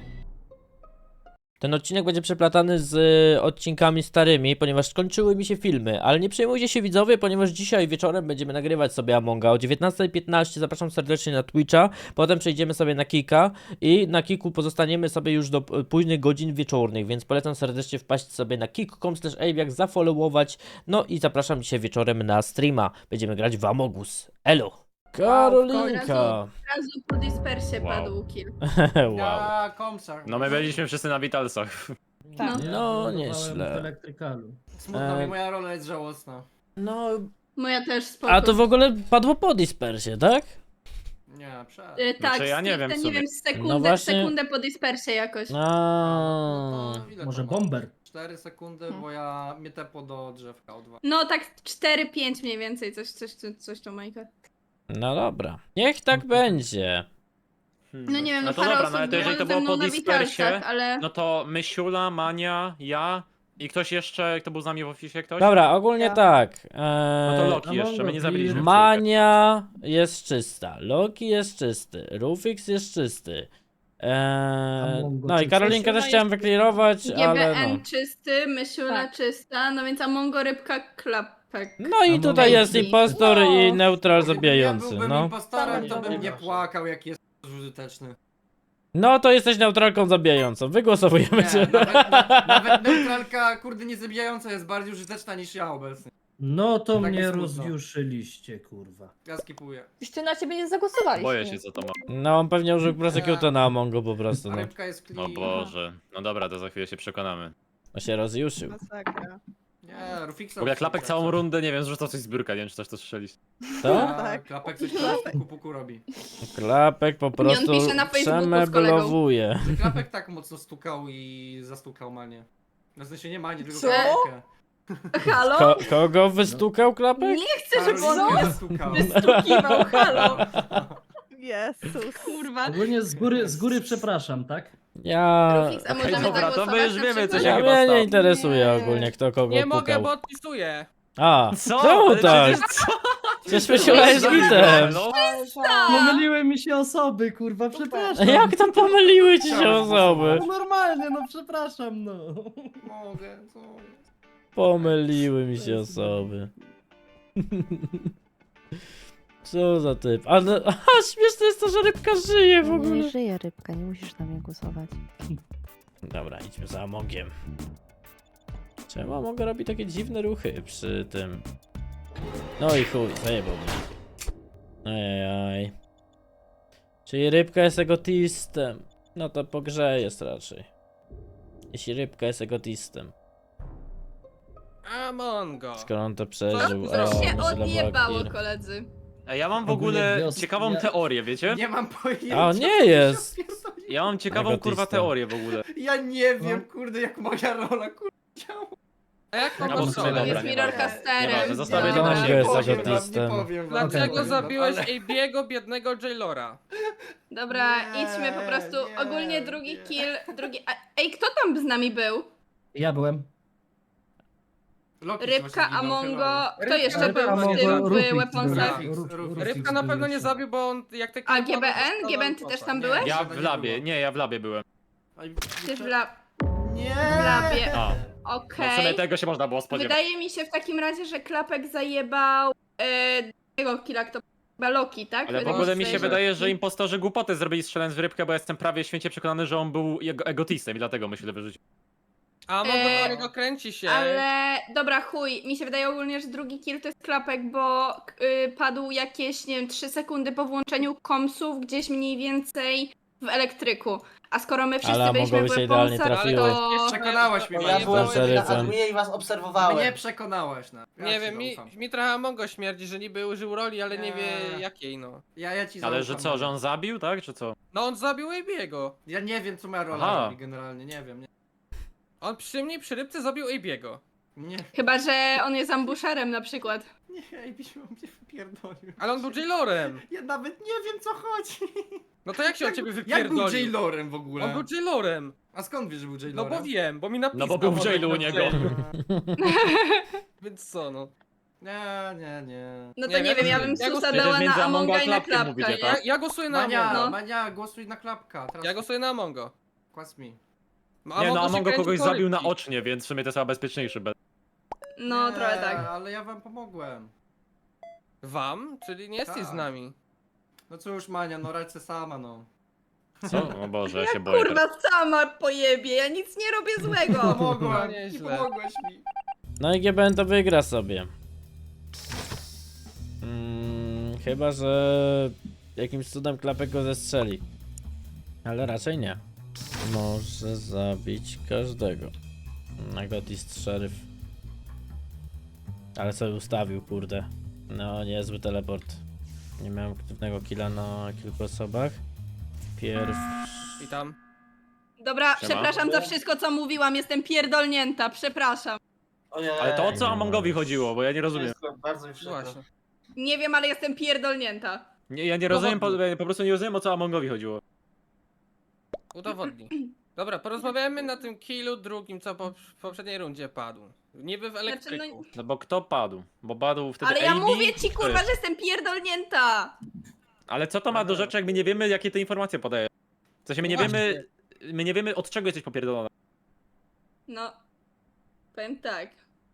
[SPEAKER 1] Ten odcinek będzie przeplatany z y, odcinkami starymi, ponieważ skończyły mi się filmy, ale nie przejmujcie się widzowie, ponieważ dzisiaj wieczorem będziemy nagrywać sobie Amonga o dziewiętnasta piętnaście, zapraszam serdecznie na Twitcha, potem przejdziemy sobie na Kika i na Kiku pozostaniemy sobie już do y, późnych godzin wieczornych, więc polecam serdecznie wpaść sobie na kick kropka com slash aviak, zafollowować, no i zapraszam dzisiaj wieczorem na streama, będziemy grać w Amogus. Elo! Karolinka!
[SPEAKER 7] Od razu po dispersie
[SPEAKER 4] Wow.
[SPEAKER 7] padł kill.
[SPEAKER 1] Wow.
[SPEAKER 9] Ja komsar.
[SPEAKER 4] No my byliśmy wszyscy na Vitalsach.
[SPEAKER 5] Tak.
[SPEAKER 1] No,
[SPEAKER 9] Ja
[SPEAKER 1] nieźle.
[SPEAKER 9] w elektrykalu. Smutno
[SPEAKER 1] E,
[SPEAKER 9] mi, moja rola jest żałosna.
[SPEAKER 1] No,
[SPEAKER 7] Moja też spoko.
[SPEAKER 1] a to w ogóle padło po dispersie, tak?
[SPEAKER 9] Nie, przed.
[SPEAKER 7] Y, tak,
[SPEAKER 4] Znaczy, ja nie
[SPEAKER 7] stricte,
[SPEAKER 4] wiem w
[SPEAKER 7] nie
[SPEAKER 4] sumie.
[SPEAKER 7] wiem, sekundę,
[SPEAKER 1] No właśnie-
[SPEAKER 7] sekundę po dispersie jakoś.
[SPEAKER 1] A.
[SPEAKER 9] No to ile
[SPEAKER 10] Może
[SPEAKER 9] to ma?
[SPEAKER 10] bomber.
[SPEAKER 9] cztery sekundy,
[SPEAKER 7] Hmm.
[SPEAKER 9] bo ja mnie tepo do drzewka o dwa.
[SPEAKER 7] No tak cztery pięć mniej więcej, coś, coś, coś, coś to Majka.
[SPEAKER 1] No dobra. Niech tak będzie.
[SPEAKER 7] No nie wiem, no,
[SPEAKER 4] No to
[SPEAKER 7] parę
[SPEAKER 4] dobra,
[SPEAKER 7] osób
[SPEAKER 4] no ale to jeżeli to
[SPEAKER 7] było
[SPEAKER 4] było
[SPEAKER 7] ze mną
[SPEAKER 4] po
[SPEAKER 7] na
[SPEAKER 4] dispersie,
[SPEAKER 7] Witalsach, ale...
[SPEAKER 4] no to Mysiula, Mania, ja i ktoś jeszcze, kto był z nami w oficie, ktoś?
[SPEAKER 1] Dobra, ogólnie
[SPEAKER 2] Ja.
[SPEAKER 1] tak.
[SPEAKER 4] No to
[SPEAKER 1] Eee,
[SPEAKER 4] Loki jeszcze, my nie zabiliśmy. w
[SPEAKER 1] Mania jest czysta, Loki jest czysty, Rufix jest czysty. Eee,
[SPEAKER 10] Amongo
[SPEAKER 1] no i
[SPEAKER 10] czysty.
[SPEAKER 1] Karolinkę też chciałem wyklirować, ale no.
[SPEAKER 7] G B N czysty, Mysiula
[SPEAKER 5] Tak.
[SPEAKER 7] czysta, no więc Amongo Rybka Klapek.
[SPEAKER 1] No i
[SPEAKER 10] Amongo
[SPEAKER 1] tutaj jest
[SPEAKER 7] czysty.
[SPEAKER 1] impostor
[SPEAKER 5] No.
[SPEAKER 1] i neutral
[SPEAKER 9] Gdybym
[SPEAKER 1] zabijający,
[SPEAKER 9] ja byłbym
[SPEAKER 1] no.
[SPEAKER 9] impostorem, to bym
[SPEAKER 10] Dobra.
[SPEAKER 9] nie płakał, jak jest użyteczny.
[SPEAKER 1] No to jesteś neutralką zabijającą, wygłosowujemy
[SPEAKER 9] Nie,
[SPEAKER 1] cię.
[SPEAKER 9] nawet, na, nawet neutralka, kurde, nie zabijająca jest bardziej użyteczna niż ja obecnie.
[SPEAKER 10] No to
[SPEAKER 9] Tak
[SPEAKER 10] mnie
[SPEAKER 9] jest smutno.
[SPEAKER 10] rozjuszyliście, kurwa.
[SPEAKER 9] Ja skipuję.
[SPEAKER 5] Jeszcze na ciebie nie zagłosowaliśmy.
[SPEAKER 4] Boję się, co to ma.
[SPEAKER 1] No on pewnie użył prosecuta na Amongo po prostu,
[SPEAKER 9] A
[SPEAKER 1] no.
[SPEAKER 9] rybka jest
[SPEAKER 4] O
[SPEAKER 9] clean.
[SPEAKER 4] Boże. No dobra, to za chwilę się przekonamy.
[SPEAKER 1] On się rozjuszył.
[SPEAKER 2] Masakra.
[SPEAKER 9] Nie, Rufixa.
[SPEAKER 4] W ogóle Klapek całą rundę, nie wiem, zrzucał coś z biurka, nie wiem, czy też to słyszeliście.
[SPEAKER 1] To?
[SPEAKER 9] Tak, Klapek coś tam puku puku robi.
[SPEAKER 1] Klapek po prostu
[SPEAKER 7] pisze na Facebooku z kolegą.
[SPEAKER 1] przemeblowuje.
[SPEAKER 9] Że Klapek tak mocno stukał i zastukał Manię. Na sensie nie Manię, tylko
[SPEAKER 5] Co?
[SPEAKER 9] Klapkę.
[SPEAKER 7] Halo?
[SPEAKER 1] Ko kogo wystukał Klapek?
[SPEAKER 7] Nie chcę, żeby on
[SPEAKER 9] Karolinkę zastukał.
[SPEAKER 7] wystukiwał, halo.
[SPEAKER 2] Jezus.
[SPEAKER 7] Kurwa.
[SPEAKER 10] Ogólnie z góry, z góry przepraszam, tak?
[SPEAKER 1] Ja...
[SPEAKER 7] Rufix, a
[SPEAKER 4] Okej,
[SPEAKER 7] możemy
[SPEAKER 4] dobra, to my
[SPEAKER 7] zagłosować
[SPEAKER 4] już
[SPEAKER 7] na
[SPEAKER 4] wiemy, co
[SPEAKER 7] przykład?
[SPEAKER 4] się
[SPEAKER 1] Ja
[SPEAKER 4] chyba
[SPEAKER 1] mnie
[SPEAKER 4] stało.
[SPEAKER 1] nie interesuje
[SPEAKER 7] Nie.
[SPEAKER 1] ogólnie kto kogo
[SPEAKER 8] Nie mogę,
[SPEAKER 1] pukał.
[SPEAKER 8] bo odpisuję.
[SPEAKER 1] A,
[SPEAKER 4] Co?
[SPEAKER 1] czemu
[SPEAKER 4] Ale
[SPEAKER 1] tak?
[SPEAKER 4] przecież co?
[SPEAKER 1] Przecież myślałeś z gitem.
[SPEAKER 4] No,
[SPEAKER 10] Pomyliły mi się osoby, kurwa, przepraszam.
[SPEAKER 1] Jak to pomyliły ci się
[SPEAKER 9] Chciałem
[SPEAKER 1] osoby?
[SPEAKER 10] No normalnie, no przepraszam, no.
[SPEAKER 9] Mogę, co?
[SPEAKER 1] Pomyliły mi się osoby. Co za typ? Ale aha, śmieszne jest to, że rybka żyje w
[SPEAKER 3] Nie
[SPEAKER 1] ogóle.
[SPEAKER 3] żyje rybka, nie musisz na mnie głosować.
[SPEAKER 1] Dobra, idźmy za Amongiem. Czemu Among robi takie dziwne ruchy przy tym? No i chuj, zajebał mnie. Ajajaj. Czyli rybka jest egotistem. No to po grze jest raczej. Jeśli rybka jest egotistem.
[SPEAKER 8] Amongo.
[SPEAKER 1] Skoro on to przeżył.
[SPEAKER 8] Co?
[SPEAKER 1] O,
[SPEAKER 7] To się
[SPEAKER 1] myślę,
[SPEAKER 7] odjebało,
[SPEAKER 1] Bakir.
[SPEAKER 7] koledzy.
[SPEAKER 4] Ej, ja mam w
[SPEAKER 10] Ogólnie
[SPEAKER 4] ogóle
[SPEAKER 10] wiosna-
[SPEAKER 4] ciekawą
[SPEAKER 10] ja-
[SPEAKER 4] teorię, wiecie?
[SPEAKER 9] Nie mam pojęcia.
[SPEAKER 1] A on
[SPEAKER 9] co
[SPEAKER 1] nie
[SPEAKER 9] tu się
[SPEAKER 1] jest.
[SPEAKER 9] odpierdoliło.
[SPEAKER 4] Ja mam ciekawą
[SPEAKER 1] Egotista.
[SPEAKER 4] kurwa teorię w ogóle.
[SPEAKER 9] Ja nie wiem,
[SPEAKER 10] No.
[SPEAKER 9] kurde, jak moja rola, kurde, działa.
[SPEAKER 8] A jak
[SPEAKER 4] No
[SPEAKER 8] mam
[SPEAKER 4] bo
[SPEAKER 8] no,
[SPEAKER 4] w sumie dobra,
[SPEAKER 7] Jest
[SPEAKER 4] nie
[SPEAKER 7] Mirror
[SPEAKER 4] ważne.
[SPEAKER 7] Casterem.
[SPEAKER 4] Nieważne, zostawię
[SPEAKER 7] Ja
[SPEAKER 4] to na
[SPEAKER 7] nie
[SPEAKER 4] siebie.
[SPEAKER 1] jest
[SPEAKER 9] powiem wam,
[SPEAKER 1] egotistem.
[SPEAKER 9] nie powiem wam,
[SPEAKER 8] Dlaczego
[SPEAKER 9] powiem wam,
[SPEAKER 8] zabiłeś
[SPEAKER 9] ale-
[SPEAKER 8] Abiego, biednego Jailora?
[SPEAKER 7] Dobra,
[SPEAKER 9] Nie,
[SPEAKER 7] idźmy po prostu.
[SPEAKER 9] nie,
[SPEAKER 7] Ogólnie drugi
[SPEAKER 9] nie.
[SPEAKER 7] kill, drugi... A, ej, kto tam z nami był?
[SPEAKER 10] Ja byłem.
[SPEAKER 9] Loki
[SPEAKER 7] Rybka,
[SPEAKER 9] właśnie zginął,
[SPEAKER 7] Amongo...
[SPEAKER 9] chyba.
[SPEAKER 7] Kto
[SPEAKER 8] Rybka,
[SPEAKER 7] jeszcze
[SPEAKER 8] Rybka,
[SPEAKER 7] był w
[SPEAKER 8] Amongo,
[SPEAKER 7] tym, w
[SPEAKER 10] Rufix
[SPEAKER 7] Weaponsach?
[SPEAKER 9] był.
[SPEAKER 10] Ruf- Rufix
[SPEAKER 8] Rybka na
[SPEAKER 10] był
[SPEAKER 8] pewno nie
[SPEAKER 10] jeszcze.
[SPEAKER 8] zabił, bo on jak te
[SPEAKER 7] A
[SPEAKER 8] kilka
[SPEAKER 7] G B N?
[SPEAKER 8] padł,
[SPEAKER 7] G B N, ty
[SPEAKER 8] to
[SPEAKER 7] też
[SPEAKER 8] poszedł.
[SPEAKER 7] tam
[SPEAKER 9] Nie.
[SPEAKER 7] byłeś?
[SPEAKER 4] Ja
[SPEAKER 9] Chyba
[SPEAKER 4] w
[SPEAKER 9] nie
[SPEAKER 4] labie,
[SPEAKER 9] było.
[SPEAKER 4] nie, ja w labie byłem.
[SPEAKER 9] Ej,
[SPEAKER 7] Ty w la...
[SPEAKER 9] Nie!
[SPEAKER 7] w labie.
[SPEAKER 4] A, no w
[SPEAKER 7] Okej.
[SPEAKER 4] sumie tego się można było spodziewać.
[SPEAKER 7] Wydaje mi się w takim razie, że Klapek zajebał e, tego killa, kto chyba Loki, tak?
[SPEAKER 4] Ale w
[SPEAKER 7] Wydaje
[SPEAKER 4] ogóle mi
[SPEAKER 7] sobie,
[SPEAKER 4] się
[SPEAKER 7] że-
[SPEAKER 4] wydaje, że impostorzy głupoty zrobili strzelając w rybkę, bo ja jestem prawie święcie przekonany, że on był jego egotistem i dlatego myślę wyrzucił.
[SPEAKER 8] A Amongo
[SPEAKER 7] Eee,
[SPEAKER 8] do niego kręci się.
[SPEAKER 7] Ale dobra, chuj, mi się wydaje ogólnie, że drugi kill to jest Klapek, bo y, padł jakieś, nie wiem, trzy sekundy po włączeniu komsów gdzieś mniej więcej w elektryku. A skoro my wszyscy
[SPEAKER 1] Ale
[SPEAKER 7] byliśmy w
[SPEAKER 1] mogłoby się idealnie
[SPEAKER 7] weaponsach,
[SPEAKER 1] trafiły.
[SPEAKER 7] to...
[SPEAKER 9] Przekonałaś mnie,
[SPEAKER 8] Bo
[SPEAKER 9] ja
[SPEAKER 8] nie
[SPEAKER 9] byłem
[SPEAKER 8] było-
[SPEAKER 1] szeryfem.
[SPEAKER 11] Adminie i was obserwowałem.
[SPEAKER 9] Mnie przekonałaś, no. Ja
[SPEAKER 8] Nie
[SPEAKER 9] ci
[SPEAKER 8] wiem, mi,
[SPEAKER 9] zaufam.
[SPEAKER 8] mi trochę Amongo śmierdzi, że niby użył roli, ale nie wie
[SPEAKER 9] Eee.
[SPEAKER 8] jakiej, no.
[SPEAKER 9] Ja, ja ci
[SPEAKER 4] Ale że
[SPEAKER 9] zaufam,
[SPEAKER 4] co, że
[SPEAKER 9] no.
[SPEAKER 4] on zabił, tak, czy co?
[SPEAKER 8] No on zabił Abiego.
[SPEAKER 9] Ja nie wiem, co moja rola
[SPEAKER 4] Aha.
[SPEAKER 9] robi generalnie, nie wiem, nie.
[SPEAKER 8] On przy mnie przy rybce zabił Abiego.
[SPEAKER 9] Nie,
[SPEAKER 7] Chyba, że on jest ambusherem na przykład.
[SPEAKER 9] nie, ej, byś mnie wypierdolił.
[SPEAKER 8] Ale on był Jailorem.
[SPEAKER 9] Ja nawet nie wiem, co chodzi.
[SPEAKER 8] No to jak się od ciebie
[SPEAKER 9] Jak był
[SPEAKER 8] wypierdolił?
[SPEAKER 9] Jailorem w ogóle?
[SPEAKER 8] On był Jailorem.
[SPEAKER 9] A skąd wiesz, że był
[SPEAKER 8] No
[SPEAKER 9] Jailorem?
[SPEAKER 8] bo wiem, bo mi napisał.
[SPEAKER 4] No bo był w
[SPEAKER 8] Amongo
[SPEAKER 4] jailu u
[SPEAKER 8] na
[SPEAKER 4] niego.
[SPEAKER 8] jailu. Więc co, no.
[SPEAKER 9] Nie, nie, nie.
[SPEAKER 7] No to
[SPEAKER 8] Nie
[SPEAKER 7] nie,
[SPEAKER 8] wiem,
[SPEAKER 7] wiem, ja
[SPEAKER 8] ja
[SPEAKER 7] bym
[SPEAKER 8] przecież
[SPEAKER 7] susa
[SPEAKER 4] między
[SPEAKER 7] dała na
[SPEAKER 4] Amongo a
[SPEAKER 7] Amonga i na
[SPEAKER 4] Klapkiem
[SPEAKER 7] Klapka.
[SPEAKER 4] mówicie,
[SPEAKER 8] Ja,
[SPEAKER 4] tak?
[SPEAKER 8] ja głosuję na
[SPEAKER 9] Mania,
[SPEAKER 8] Amongo.
[SPEAKER 7] No.
[SPEAKER 9] Mania, głosuj na klapka. Teraz
[SPEAKER 8] Ja głosuję na Amongo.
[SPEAKER 9] kłas mi.
[SPEAKER 8] No,
[SPEAKER 4] Nie no,
[SPEAKER 8] się
[SPEAKER 4] Amongo
[SPEAKER 8] kręci
[SPEAKER 4] kogoś
[SPEAKER 8] po
[SPEAKER 4] zabił na
[SPEAKER 8] rybki.
[SPEAKER 4] ocznie, więc w sumie to jest chyba bezpieczniejszy bet.
[SPEAKER 7] No,
[SPEAKER 9] nie,
[SPEAKER 7] trochę tak.
[SPEAKER 9] ale ja wam pomogłem.
[SPEAKER 8] Wam? Czyli nie jesteś z
[SPEAKER 9] Tak.
[SPEAKER 8] nami.
[SPEAKER 9] No cóż, Mania, no radź se sama, no.
[SPEAKER 4] Co? O Boże, ja się boję. teraz.
[SPEAKER 7] Kurwa, sama pojebie, ja nic nie robię złego.
[SPEAKER 8] No
[SPEAKER 9] Pomogłem, nie
[SPEAKER 8] nieźle.
[SPEAKER 9] pomogłeś mi.
[SPEAKER 1] No i G B N to wygra sobie. Mm, chyba, że jakimś cudem Klapek go zestrzeli. Ale raczej nie. Może zabić każdego. Nagotist szeryf. Ale sobie ustawił, kurde. No, niezły teleport. Nie miałem aktywnego killa na kilku osobach. Pierw...
[SPEAKER 8] I tam.
[SPEAKER 7] Dobra,
[SPEAKER 4] Siema.
[SPEAKER 7] przepraszam za wszystko, co mówiłam, jestem pierdolnięta, przepraszam.
[SPEAKER 11] Ojej.
[SPEAKER 4] Ale to o co Amongowi chodziło, bo ja nie rozumiem.
[SPEAKER 11] Jest bardzo mi przykro.
[SPEAKER 8] Właśnie.
[SPEAKER 7] Nie wiem, ale jestem pierdolnięta.
[SPEAKER 4] Nie, ja nie rozumiem, po, po prostu nie rozumiem o co Amongowi chodziło.
[SPEAKER 8] Udowodnij. Dobra, porozmawiajmy na tym killu drugim, co po, w poprzedniej rundzie padł. Niby w elektryku.
[SPEAKER 7] no-
[SPEAKER 4] No bo kto padł? Bo padł wtedy
[SPEAKER 7] Ale ja
[SPEAKER 4] A B?
[SPEAKER 7] mówię ci,
[SPEAKER 4] Kto
[SPEAKER 7] kurwa,
[SPEAKER 4] jest?
[SPEAKER 7] że jestem pierdolnięta.
[SPEAKER 4] Ale co to ma do rzeczy, jak my nie wiemy, jakie te informacje podaje? W sensie my nie
[SPEAKER 8] No
[SPEAKER 4] wiemy, my nie wiemy od czego jesteś popierdolona.
[SPEAKER 7] No, powiem tak.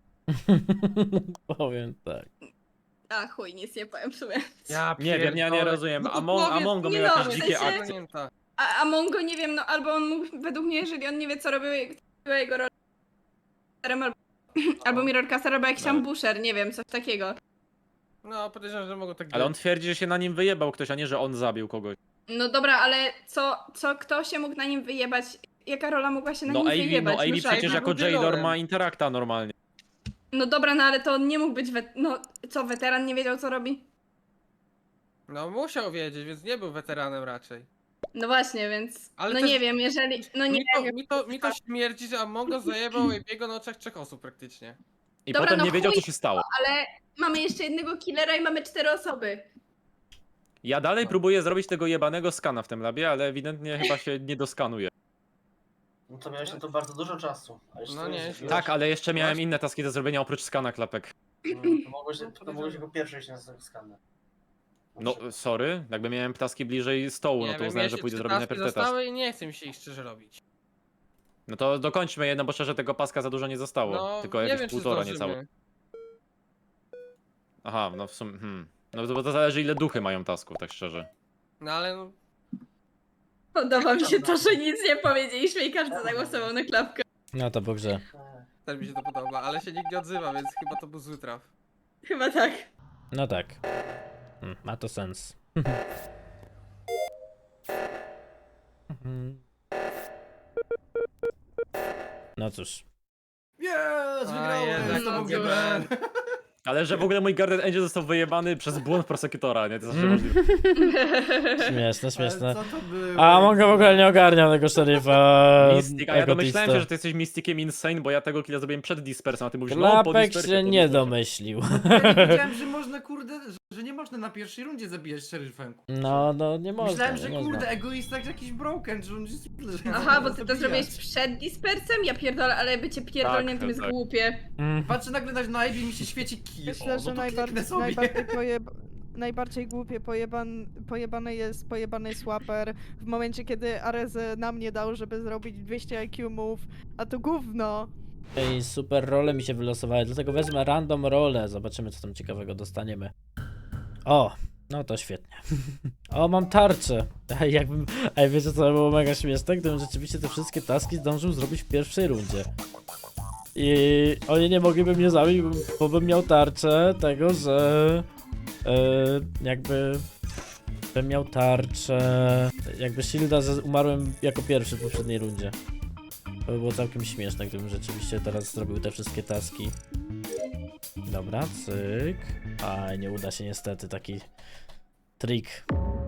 [SPEAKER 1] Powiem tak.
[SPEAKER 7] A chuj, nic nie powiem w sumie.
[SPEAKER 8] Ja
[SPEAKER 4] Nie wiem, ja nie
[SPEAKER 8] pierdolę.
[SPEAKER 4] rozumiem.
[SPEAKER 8] No to
[SPEAKER 4] Among,
[SPEAKER 8] powiedz,
[SPEAKER 4] Amongo
[SPEAKER 7] nie
[SPEAKER 4] miał
[SPEAKER 7] no,
[SPEAKER 4] jakieś
[SPEAKER 7] w
[SPEAKER 4] dzikie
[SPEAKER 7] sensie-
[SPEAKER 4] akcje.
[SPEAKER 8] Pamięta.
[SPEAKER 7] A, a Mongo nie wiem, no albo on mógł, według mnie, jeżeli on nie wie, co robił, była jego rola, albo Albo Mirror Caster, albo jakiś ambusher, nie wiem, coś takiego.
[SPEAKER 8] No, podejrzewam, że mogą tak
[SPEAKER 4] Ale on
[SPEAKER 8] być.
[SPEAKER 4] twierdzi, że się na nim wyjebał ktoś, a nie, że on zabił kogoś.
[SPEAKER 7] No dobra, ale co, co kto się mógł na nim wyjebać? Jaka rola mogła się na
[SPEAKER 4] No
[SPEAKER 7] nim
[SPEAKER 4] Amy,
[SPEAKER 7] wyjebać?
[SPEAKER 4] no Amy
[SPEAKER 8] Muszę
[SPEAKER 4] przecież
[SPEAKER 8] Amy
[SPEAKER 4] jako
[SPEAKER 8] był
[SPEAKER 4] Jailor
[SPEAKER 8] dealerem.
[SPEAKER 4] ma interakta normalnie.
[SPEAKER 7] No dobra, no ale to on nie mógł być wet... No co, weteran nie wiedział co robi?
[SPEAKER 8] No, musiał wiedzieć, więc nie był weteranem raczej.
[SPEAKER 7] No właśnie, więc...
[SPEAKER 8] Ale
[SPEAKER 7] no
[SPEAKER 8] też-
[SPEAKER 7] nie wiem, jeżeli... No nie
[SPEAKER 8] Mi to,
[SPEAKER 7] wiem.
[SPEAKER 8] mi to, mi to śmierdzi, że Amongo zajebał Abiego na oczach trzech osób praktycznie.
[SPEAKER 4] I
[SPEAKER 7] Dobra,
[SPEAKER 4] potem
[SPEAKER 7] no
[SPEAKER 4] nie wiedział, co
[SPEAKER 7] chuj.
[SPEAKER 4] się stało.
[SPEAKER 7] Ale mamy jeszcze jednego killera i mamy cztery osoby.
[SPEAKER 4] Ja dalej próbuję zrobić tego jebanego skana w tym labie, ale ewidentnie chyba się nie doskanuje.
[SPEAKER 11] No to miałeś na to bardzo dużo czasu. A jeszcze
[SPEAKER 8] No
[SPEAKER 11] to
[SPEAKER 8] nie,
[SPEAKER 11] jest-
[SPEAKER 4] Tak, ale jeszcze miałem
[SPEAKER 8] Masz-
[SPEAKER 4] inne taski do zrobienia oprócz skana klapek.
[SPEAKER 11] No, to mogłeś, to mogłeś jako pierwszy iść na skanner.
[SPEAKER 4] No, sorry, jakby miałem taski bliżej stołu, no
[SPEAKER 8] Nie
[SPEAKER 4] to
[SPEAKER 8] wiem,
[SPEAKER 4] uznałem,
[SPEAKER 8] ja
[SPEAKER 4] że
[SPEAKER 8] się
[SPEAKER 4] pójdę
[SPEAKER 8] trzy
[SPEAKER 4] zrobić
[SPEAKER 8] taski
[SPEAKER 4] najpierw te taski.
[SPEAKER 8] zostały i nie chce mi się ich szczerze robić.
[SPEAKER 4] No to dokończmy jedno, bo szczerze tego paska za dużo nie zostało.
[SPEAKER 8] No,
[SPEAKER 4] tylko
[SPEAKER 8] nie
[SPEAKER 4] jakieś
[SPEAKER 8] wiem, czy
[SPEAKER 4] półtora
[SPEAKER 8] zdążymy.
[SPEAKER 4] niecałe. Aha, no w sumie, hmm. No to, bo to zależy ile duchy mają tasków, tak szczerze.
[SPEAKER 8] No ale no,
[SPEAKER 7] Podoba mi się to, że nic nie powiedzieliśmy i każdy zagłosował na klapkę.
[SPEAKER 1] No to po grze.
[SPEAKER 8] też mi się to podoba, ale się nikt nie odzywa, więc chyba to był zły traf.
[SPEAKER 7] Chyba tak.
[SPEAKER 1] No tak. Hmm, ma to sens. No cóż.
[SPEAKER 9] Jest, wygrałem!
[SPEAKER 8] jednak
[SPEAKER 9] To był
[SPEAKER 7] dobrze.
[SPEAKER 9] G B N.
[SPEAKER 4] Ale że w ogóle mój Guardian Angel został wyjebany przez błąd prosekutora, nie? To zawsze
[SPEAKER 1] Mm.
[SPEAKER 4] możliwe.
[SPEAKER 1] Śmieszne, śmieszne.
[SPEAKER 9] Ale co to było?
[SPEAKER 1] A Mongo w ogóle nie ogarniał tego szeryfa.
[SPEAKER 4] Mystic, a ja domyślałem
[SPEAKER 1] egotista.
[SPEAKER 4] się, że ty jesteś Mysticiem Insane, bo ja tego killa zrobiłem przed Dispersem, a ty mówisz, no po
[SPEAKER 1] Klapek
[SPEAKER 4] Dispersie,
[SPEAKER 1] się
[SPEAKER 4] po
[SPEAKER 1] nie
[SPEAKER 4] Dispersie.
[SPEAKER 1] domyślił.
[SPEAKER 9] Ja nie wiedziałem, że można, kurde, że, że nie można na pierwszej rundzie zabijać szeryfem.
[SPEAKER 1] No, no nie można.
[SPEAKER 9] Myślałem,
[SPEAKER 1] nie
[SPEAKER 9] że
[SPEAKER 1] można.
[SPEAKER 9] kurde, egoista jak jakiś broken, że on jest... Że
[SPEAKER 7] Aha, bo
[SPEAKER 9] można
[SPEAKER 7] ty to
[SPEAKER 9] zabijać.
[SPEAKER 7] zrobiłeś przed dispersem? Ja pierdolę, ale bycie pierdolniętym
[SPEAKER 4] Tak,
[SPEAKER 7] jest
[SPEAKER 4] tak.
[SPEAKER 7] głupie.
[SPEAKER 1] Mm.
[SPEAKER 9] Patrzę nagle na, na Ivy mi się świeci kij.
[SPEAKER 2] Myślę,
[SPEAKER 9] o,
[SPEAKER 2] że
[SPEAKER 9] no to
[SPEAKER 2] najbardziej,
[SPEAKER 9] kliknę sobie.
[SPEAKER 2] najbardziej, pojeb... najbardziej głupie pojeban... pojebany jest pojebany Swapper w momencie, kiedy Arez na mnie dał, żeby zrobić dwieście I Q move, a to gówno.
[SPEAKER 1] I super role mi się wylosowały, dlatego wezmę random rolę. Zobaczymy, co tam ciekawego dostaniemy. O, no to świetnie. O, mam tarczę. Ej, jakbym, ej, wiecie co było mega śmieszne? Gdybym rzeczywiście te wszystkie taski zdążył zrobić w pierwszej rundzie. I oni nie mogliby mnie zabić, bo bym miał tarczę tego, że e, jakby bym miał tarczę jakby shielda, że umarłem jako pierwszy w poprzedniej rundzie. To by było całkiem śmieszne, gdybym rzeczywiście teraz zrobił te wszystkie taski. Dobra, cyk. A nie uda się niestety taki trik.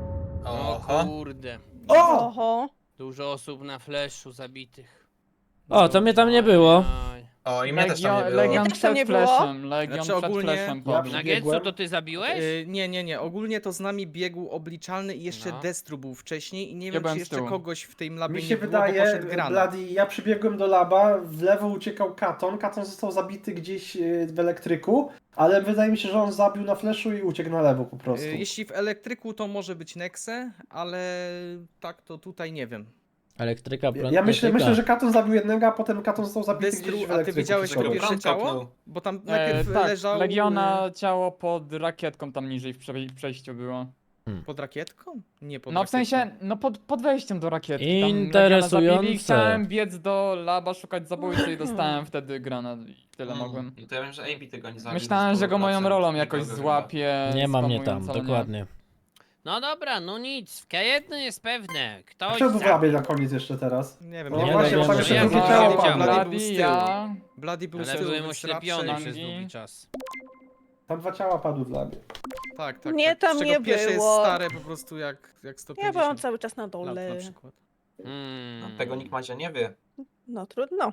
[SPEAKER 12] O kurde.
[SPEAKER 2] Oho!
[SPEAKER 12] Dużo osób na flashu zabitych.
[SPEAKER 1] O, to mnie tam nie było.
[SPEAKER 12] Aj.
[SPEAKER 11] O, i mnie też tam nie było.
[SPEAKER 2] Legion też tam nie było.
[SPEAKER 10] Legion
[SPEAKER 13] Znaczy ogólnie...
[SPEAKER 12] Na Getsu to ty zabiłeś?
[SPEAKER 13] Yy, nie, nie, nie. Ogólnie to z nami biegł obliczalny i jeszcze
[SPEAKER 12] No.
[SPEAKER 13] Destru był wcześniej i nie
[SPEAKER 10] Ja
[SPEAKER 13] wiem,
[SPEAKER 10] byłem
[SPEAKER 13] czy
[SPEAKER 10] z
[SPEAKER 13] jeszcze
[SPEAKER 10] tyłu.
[SPEAKER 13] kogoś w tym labie
[SPEAKER 10] Mi
[SPEAKER 13] nie
[SPEAKER 10] się
[SPEAKER 13] było,
[SPEAKER 10] wydaje,
[SPEAKER 13] bo poszedł Grana.
[SPEAKER 10] Bloody, ja przybiegłem do laba, w lewo uciekał Katon, Katon został zabity gdzieś yy, w elektryku, ale wydaje mi się, że on zabił na flashu i uciekł na lewo po prostu.
[SPEAKER 13] Yy, jeśli w elektryku to może być Nexe, ale tak to tutaj nie wiem.
[SPEAKER 1] Elektryka,
[SPEAKER 10] Ja,
[SPEAKER 1] prąd,
[SPEAKER 10] ja myślę,
[SPEAKER 1] elektryka.
[SPEAKER 10] myślę, że Katon zabił jednego, a potem Katon został zabity
[SPEAKER 13] Destru,
[SPEAKER 10] gdzieś w
[SPEAKER 13] a ty
[SPEAKER 10] elektryku.
[SPEAKER 13] widziałeś
[SPEAKER 10] przy
[SPEAKER 13] to
[SPEAKER 10] sobie.
[SPEAKER 13] pierwsze ciało?
[SPEAKER 11] kopnął.
[SPEAKER 13] Bo tam
[SPEAKER 10] E,
[SPEAKER 13] najpierw
[SPEAKER 10] tak,
[SPEAKER 13] leżał
[SPEAKER 10] Legiona
[SPEAKER 14] ciało pod rakietką tam niżej w prze- przejściu było.
[SPEAKER 13] yy, pod rakietką? Nie pod
[SPEAKER 14] No w
[SPEAKER 13] rakietką.
[SPEAKER 14] sensie, no pod, pod wejściem do rakietki. Tam Legiona
[SPEAKER 1] Interesujące.
[SPEAKER 14] zabili, chciałem biec do laba, szukać zabójcy i dostałem wtedy granat i tyle
[SPEAKER 11] Mm.
[SPEAKER 14] mogłem.
[SPEAKER 11] To ja wiem, że A B tego nie zabił.
[SPEAKER 14] Myślałem, że go moją
[SPEAKER 11] sto procent.
[SPEAKER 14] rolą jakoś
[SPEAKER 11] Nikogo
[SPEAKER 14] złapie.
[SPEAKER 1] Nie ma mnie tam,
[SPEAKER 14] spamując, ale nie.
[SPEAKER 1] dokładnie.
[SPEAKER 12] No dobra, no nic. W jedno jest pewne. Ktoś
[SPEAKER 10] Kto był w
[SPEAKER 12] zabił.
[SPEAKER 10] labie na koniec jeszcze teraz?
[SPEAKER 13] Nie wiem,
[SPEAKER 10] No
[SPEAKER 13] nie
[SPEAKER 1] Nie
[SPEAKER 10] właśnie,
[SPEAKER 1] wiem,
[SPEAKER 10] bo tam
[SPEAKER 1] że
[SPEAKER 10] jeszcze
[SPEAKER 1] ja
[SPEAKER 10] drugie
[SPEAKER 12] nie
[SPEAKER 10] ciało
[SPEAKER 12] widziałem.
[SPEAKER 10] padło.
[SPEAKER 13] Bloody był z
[SPEAKER 14] Bloody,
[SPEAKER 13] tyłu.
[SPEAKER 14] ja...
[SPEAKER 13] Bloody był z
[SPEAKER 12] Ale
[SPEAKER 13] tyłu,
[SPEAKER 12] byłem
[SPEAKER 13] więc
[SPEAKER 12] oślepiony
[SPEAKER 13] raczej-
[SPEAKER 12] przez
[SPEAKER 14] Rangi.
[SPEAKER 12] długi czas.
[SPEAKER 10] Tam dwa ciała padły w labie.
[SPEAKER 13] Tak, tak.
[SPEAKER 2] Nie,
[SPEAKER 13] tak.
[SPEAKER 2] tam
[SPEAKER 13] Z czego
[SPEAKER 2] nie
[SPEAKER 13] pierwsze jest
[SPEAKER 2] było.
[SPEAKER 13] stare po prostu jak, jak sto
[SPEAKER 2] Ja
[SPEAKER 13] pięćdziesiąt
[SPEAKER 2] byłam cały czas na
[SPEAKER 13] lat
[SPEAKER 2] dole.
[SPEAKER 13] na przykład.
[SPEAKER 12] Hmm.
[SPEAKER 11] Tego nikt Madzia nie wie.
[SPEAKER 2] No trudno.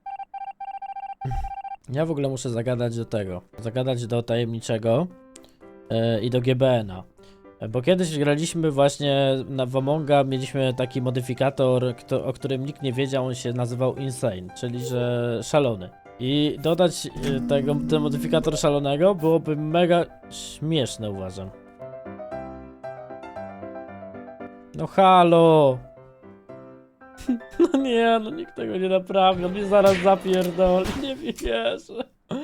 [SPEAKER 1] Ja w ogóle muszę zagadać do tego. Zagadać do tajemniczego e, i do G B N a. E, Bo kiedyś graliśmy właśnie na w Amonga, mieliśmy taki modyfikator, kto, o którym nikt nie wiedział, on się nazywał Insane, czyli że szalony. I dodać e, tego, ten modyfikator szalonego byłoby mega śmieszne, uważam. No halo! No nie, no nikt tego nie naprawi, on mnie zaraz zapierdoli, nie wierzę.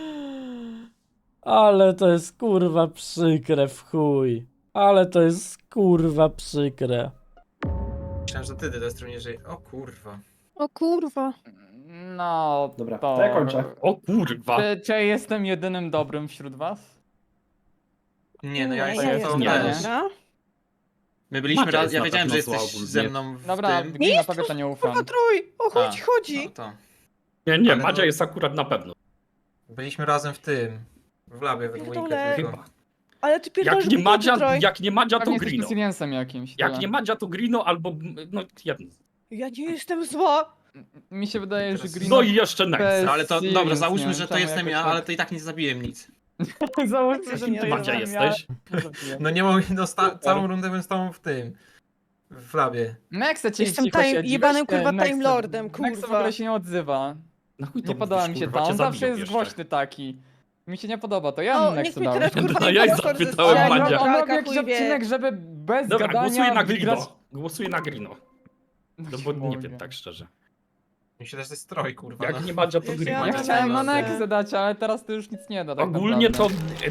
[SPEAKER 1] Ale to jest kurwa przykre w chuj. Ale to jest kurwa przykre.
[SPEAKER 11] Myślałem, że ty, Destru, nie żyje. O kurwa.
[SPEAKER 2] O kurwa.
[SPEAKER 14] No,
[SPEAKER 10] Dobra,
[SPEAKER 14] to...
[SPEAKER 10] to ja kończę.
[SPEAKER 15] O kurwa.
[SPEAKER 14] Czy, czy ja jestem jedynym dobrym wśród was?
[SPEAKER 11] Nie, no ja
[SPEAKER 2] Nie,
[SPEAKER 11] jestem
[SPEAKER 2] ja
[SPEAKER 11] to
[SPEAKER 15] nie.
[SPEAKER 11] też.
[SPEAKER 2] Dobra.
[SPEAKER 11] My byliśmy
[SPEAKER 15] Macia
[SPEAKER 11] raz,
[SPEAKER 15] jest
[SPEAKER 11] ja
[SPEAKER 15] na
[SPEAKER 11] wiedziałem, że
[SPEAKER 15] pewno zła
[SPEAKER 11] jesteś
[SPEAKER 15] ogólnie.
[SPEAKER 11] ze mną w
[SPEAKER 14] Dobra,
[SPEAKER 11] tym.
[SPEAKER 14] Glina, tobie to nie ufam.
[SPEAKER 2] Kurwa, Trój, o chuj
[SPEAKER 11] A,
[SPEAKER 2] ci chodzi.
[SPEAKER 11] No to.
[SPEAKER 15] Nie, nie,
[SPEAKER 11] Ale
[SPEAKER 15] Madzia
[SPEAKER 11] no-
[SPEAKER 15] jest akurat na pewno.
[SPEAKER 11] Byliśmy razem w tym. W labie we dwójkę
[SPEAKER 2] Pierdolę.
[SPEAKER 11] tylko.
[SPEAKER 15] Chyba.
[SPEAKER 2] Ale ty pierdolisz
[SPEAKER 15] Jak nie
[SPEAKER 2] głupoty,
[SPEAKER 15] Madzia,
[SPEAKER 2] Troj.
[SPEAKER 15] jak nie Madzia, to
[SPEAKER 14] Pewnie jesteś
[SPEAKER 15] Grino.
[SPEAKER 14] Siciliansem jakimś.
[SPEAKER 15] Jak
[SPEAKER 14] tyle.
[SPEAKER 15] nie Madzia, to Grino albo... No, jedno.
[SPEAKER 2] Ja nie jestem zła.
[SPEAKER 14] Mi się wydaje, że Grino...
[SPEAKER 15] No i jeszcze Nex.
[SPEAKER 14] bez
[SPEAKER 11] No ale to,
[SPEAKER 14] Sirius,
[SPEAKER 11] dobra,
[SPEAKER 14] nie
[SPEAKER 11] załóżmy,
[SPEAKER 14] wiem,
[SPEAKER 11] że to
[SPEAKER 14] czemu
[SPEAKER 11] jestem
[SPEAKER 14] jakoś
[SPEAKER 11] ja,
[SPEAKER 14] tak-
[SPEAKER 11] ale to i tak nie zabiłem nic.
[SPEAKER 14] Załóżmy, że
[SPEAKER 2] Ty
[SPEAKER 14] to
[SPEAKER 15] Madzia
[SPEAKER 14] jestem
[SPEAKER 15] jesteś?
[SPEAKER 14] Ja.
[SPEAKER 11] No nie mogę, no sta- całą rundę bym z tobą w tym. W labie.
[SPEAKER 14] Nexe ci
[SPEAKER 2] Jestem
[SPEAKER 14] cicho
[SPEAKER 2] time-
[SPEAKER 14] siedzi,
[SPEAKER 2] jebanym,
[SPEAKER 14] weź te
[SPEAKER 2] kurwa,
[SPEAKER 14] Nexe.
[SPEAKER 2] Time Lordem,
[SPEAKER 14] Nexe w
[SPEAKER 2] kurwa.
[SPEAKER 14] ogóle się nie odzywa.
[SPEAKER 15] Na chuj to
[SPEAKER 14] Nie podoba
[SPEAKER 15] mówisz,
[SPEAKER 14] mi się
[SPEAKER 15] kurwa,
[SPEAKER 14] to,
[SPEAKER 15] cię
[SPEAKER 14] on zawsze
[SPEAKER 15] zabiją
[SPEAKER 14] jest
[SPEAKER 15] jeszcze.
[SPEAKER 14] głośny taki. Mi się nie podoba to, ja
[SPEAKER 2] O,
[SPEAKER 14] bym
[SPEAKER 2] niech
[SPEAKER 14] Nexe
[SPEAKER 2] mi
[SPEAKER 14] dał.
[SPEAKER 2] teraz kurwa
[SPEAKER 15] No ja i
[SPEAKER 2] impostor
[SPEAKER 15] zapytałem
[SPEAKER 2] zestrzeli.
[SPEAKER 15] Madzia.
[SPEAKER 14] On
[SPEAKER 2] Taka
[SPEAKER 14] robi jakiś
[SPEAKER 2] chuj wie.
[SPEAKER 14] odcinek, żeby bez
[SPEAKER 15] Dobra,
[SPEAKER 14] gadania
[SPEAKER 15] głosuję na
[SPEAKER 14] wygrać...
[SPEAKER 15] Grino. Głosuję na Grino. No bo nie wiem, tak szczerze.
[SPEAKER 11] Myślę, że to jest stroj, kurwa.
[SPEAKER 15] Jak
[SPEAKER 11] no.
[SPEAKER 15] nie Madzia, to
[SPEAKER 2] Ja
[SPEAKER 15] Grino.
[SPEAKER 14] Ja
[SPEAKER 2] nie
[SPEAKER 14] chciałem na
[SPEAKER 2] wiem.
[SPEAKER 14] Nexe dać, ale teraz to już nic nie da tak
[SPEAKER 15] Ogólnie to...
[SPEAKER 14] naprawdę.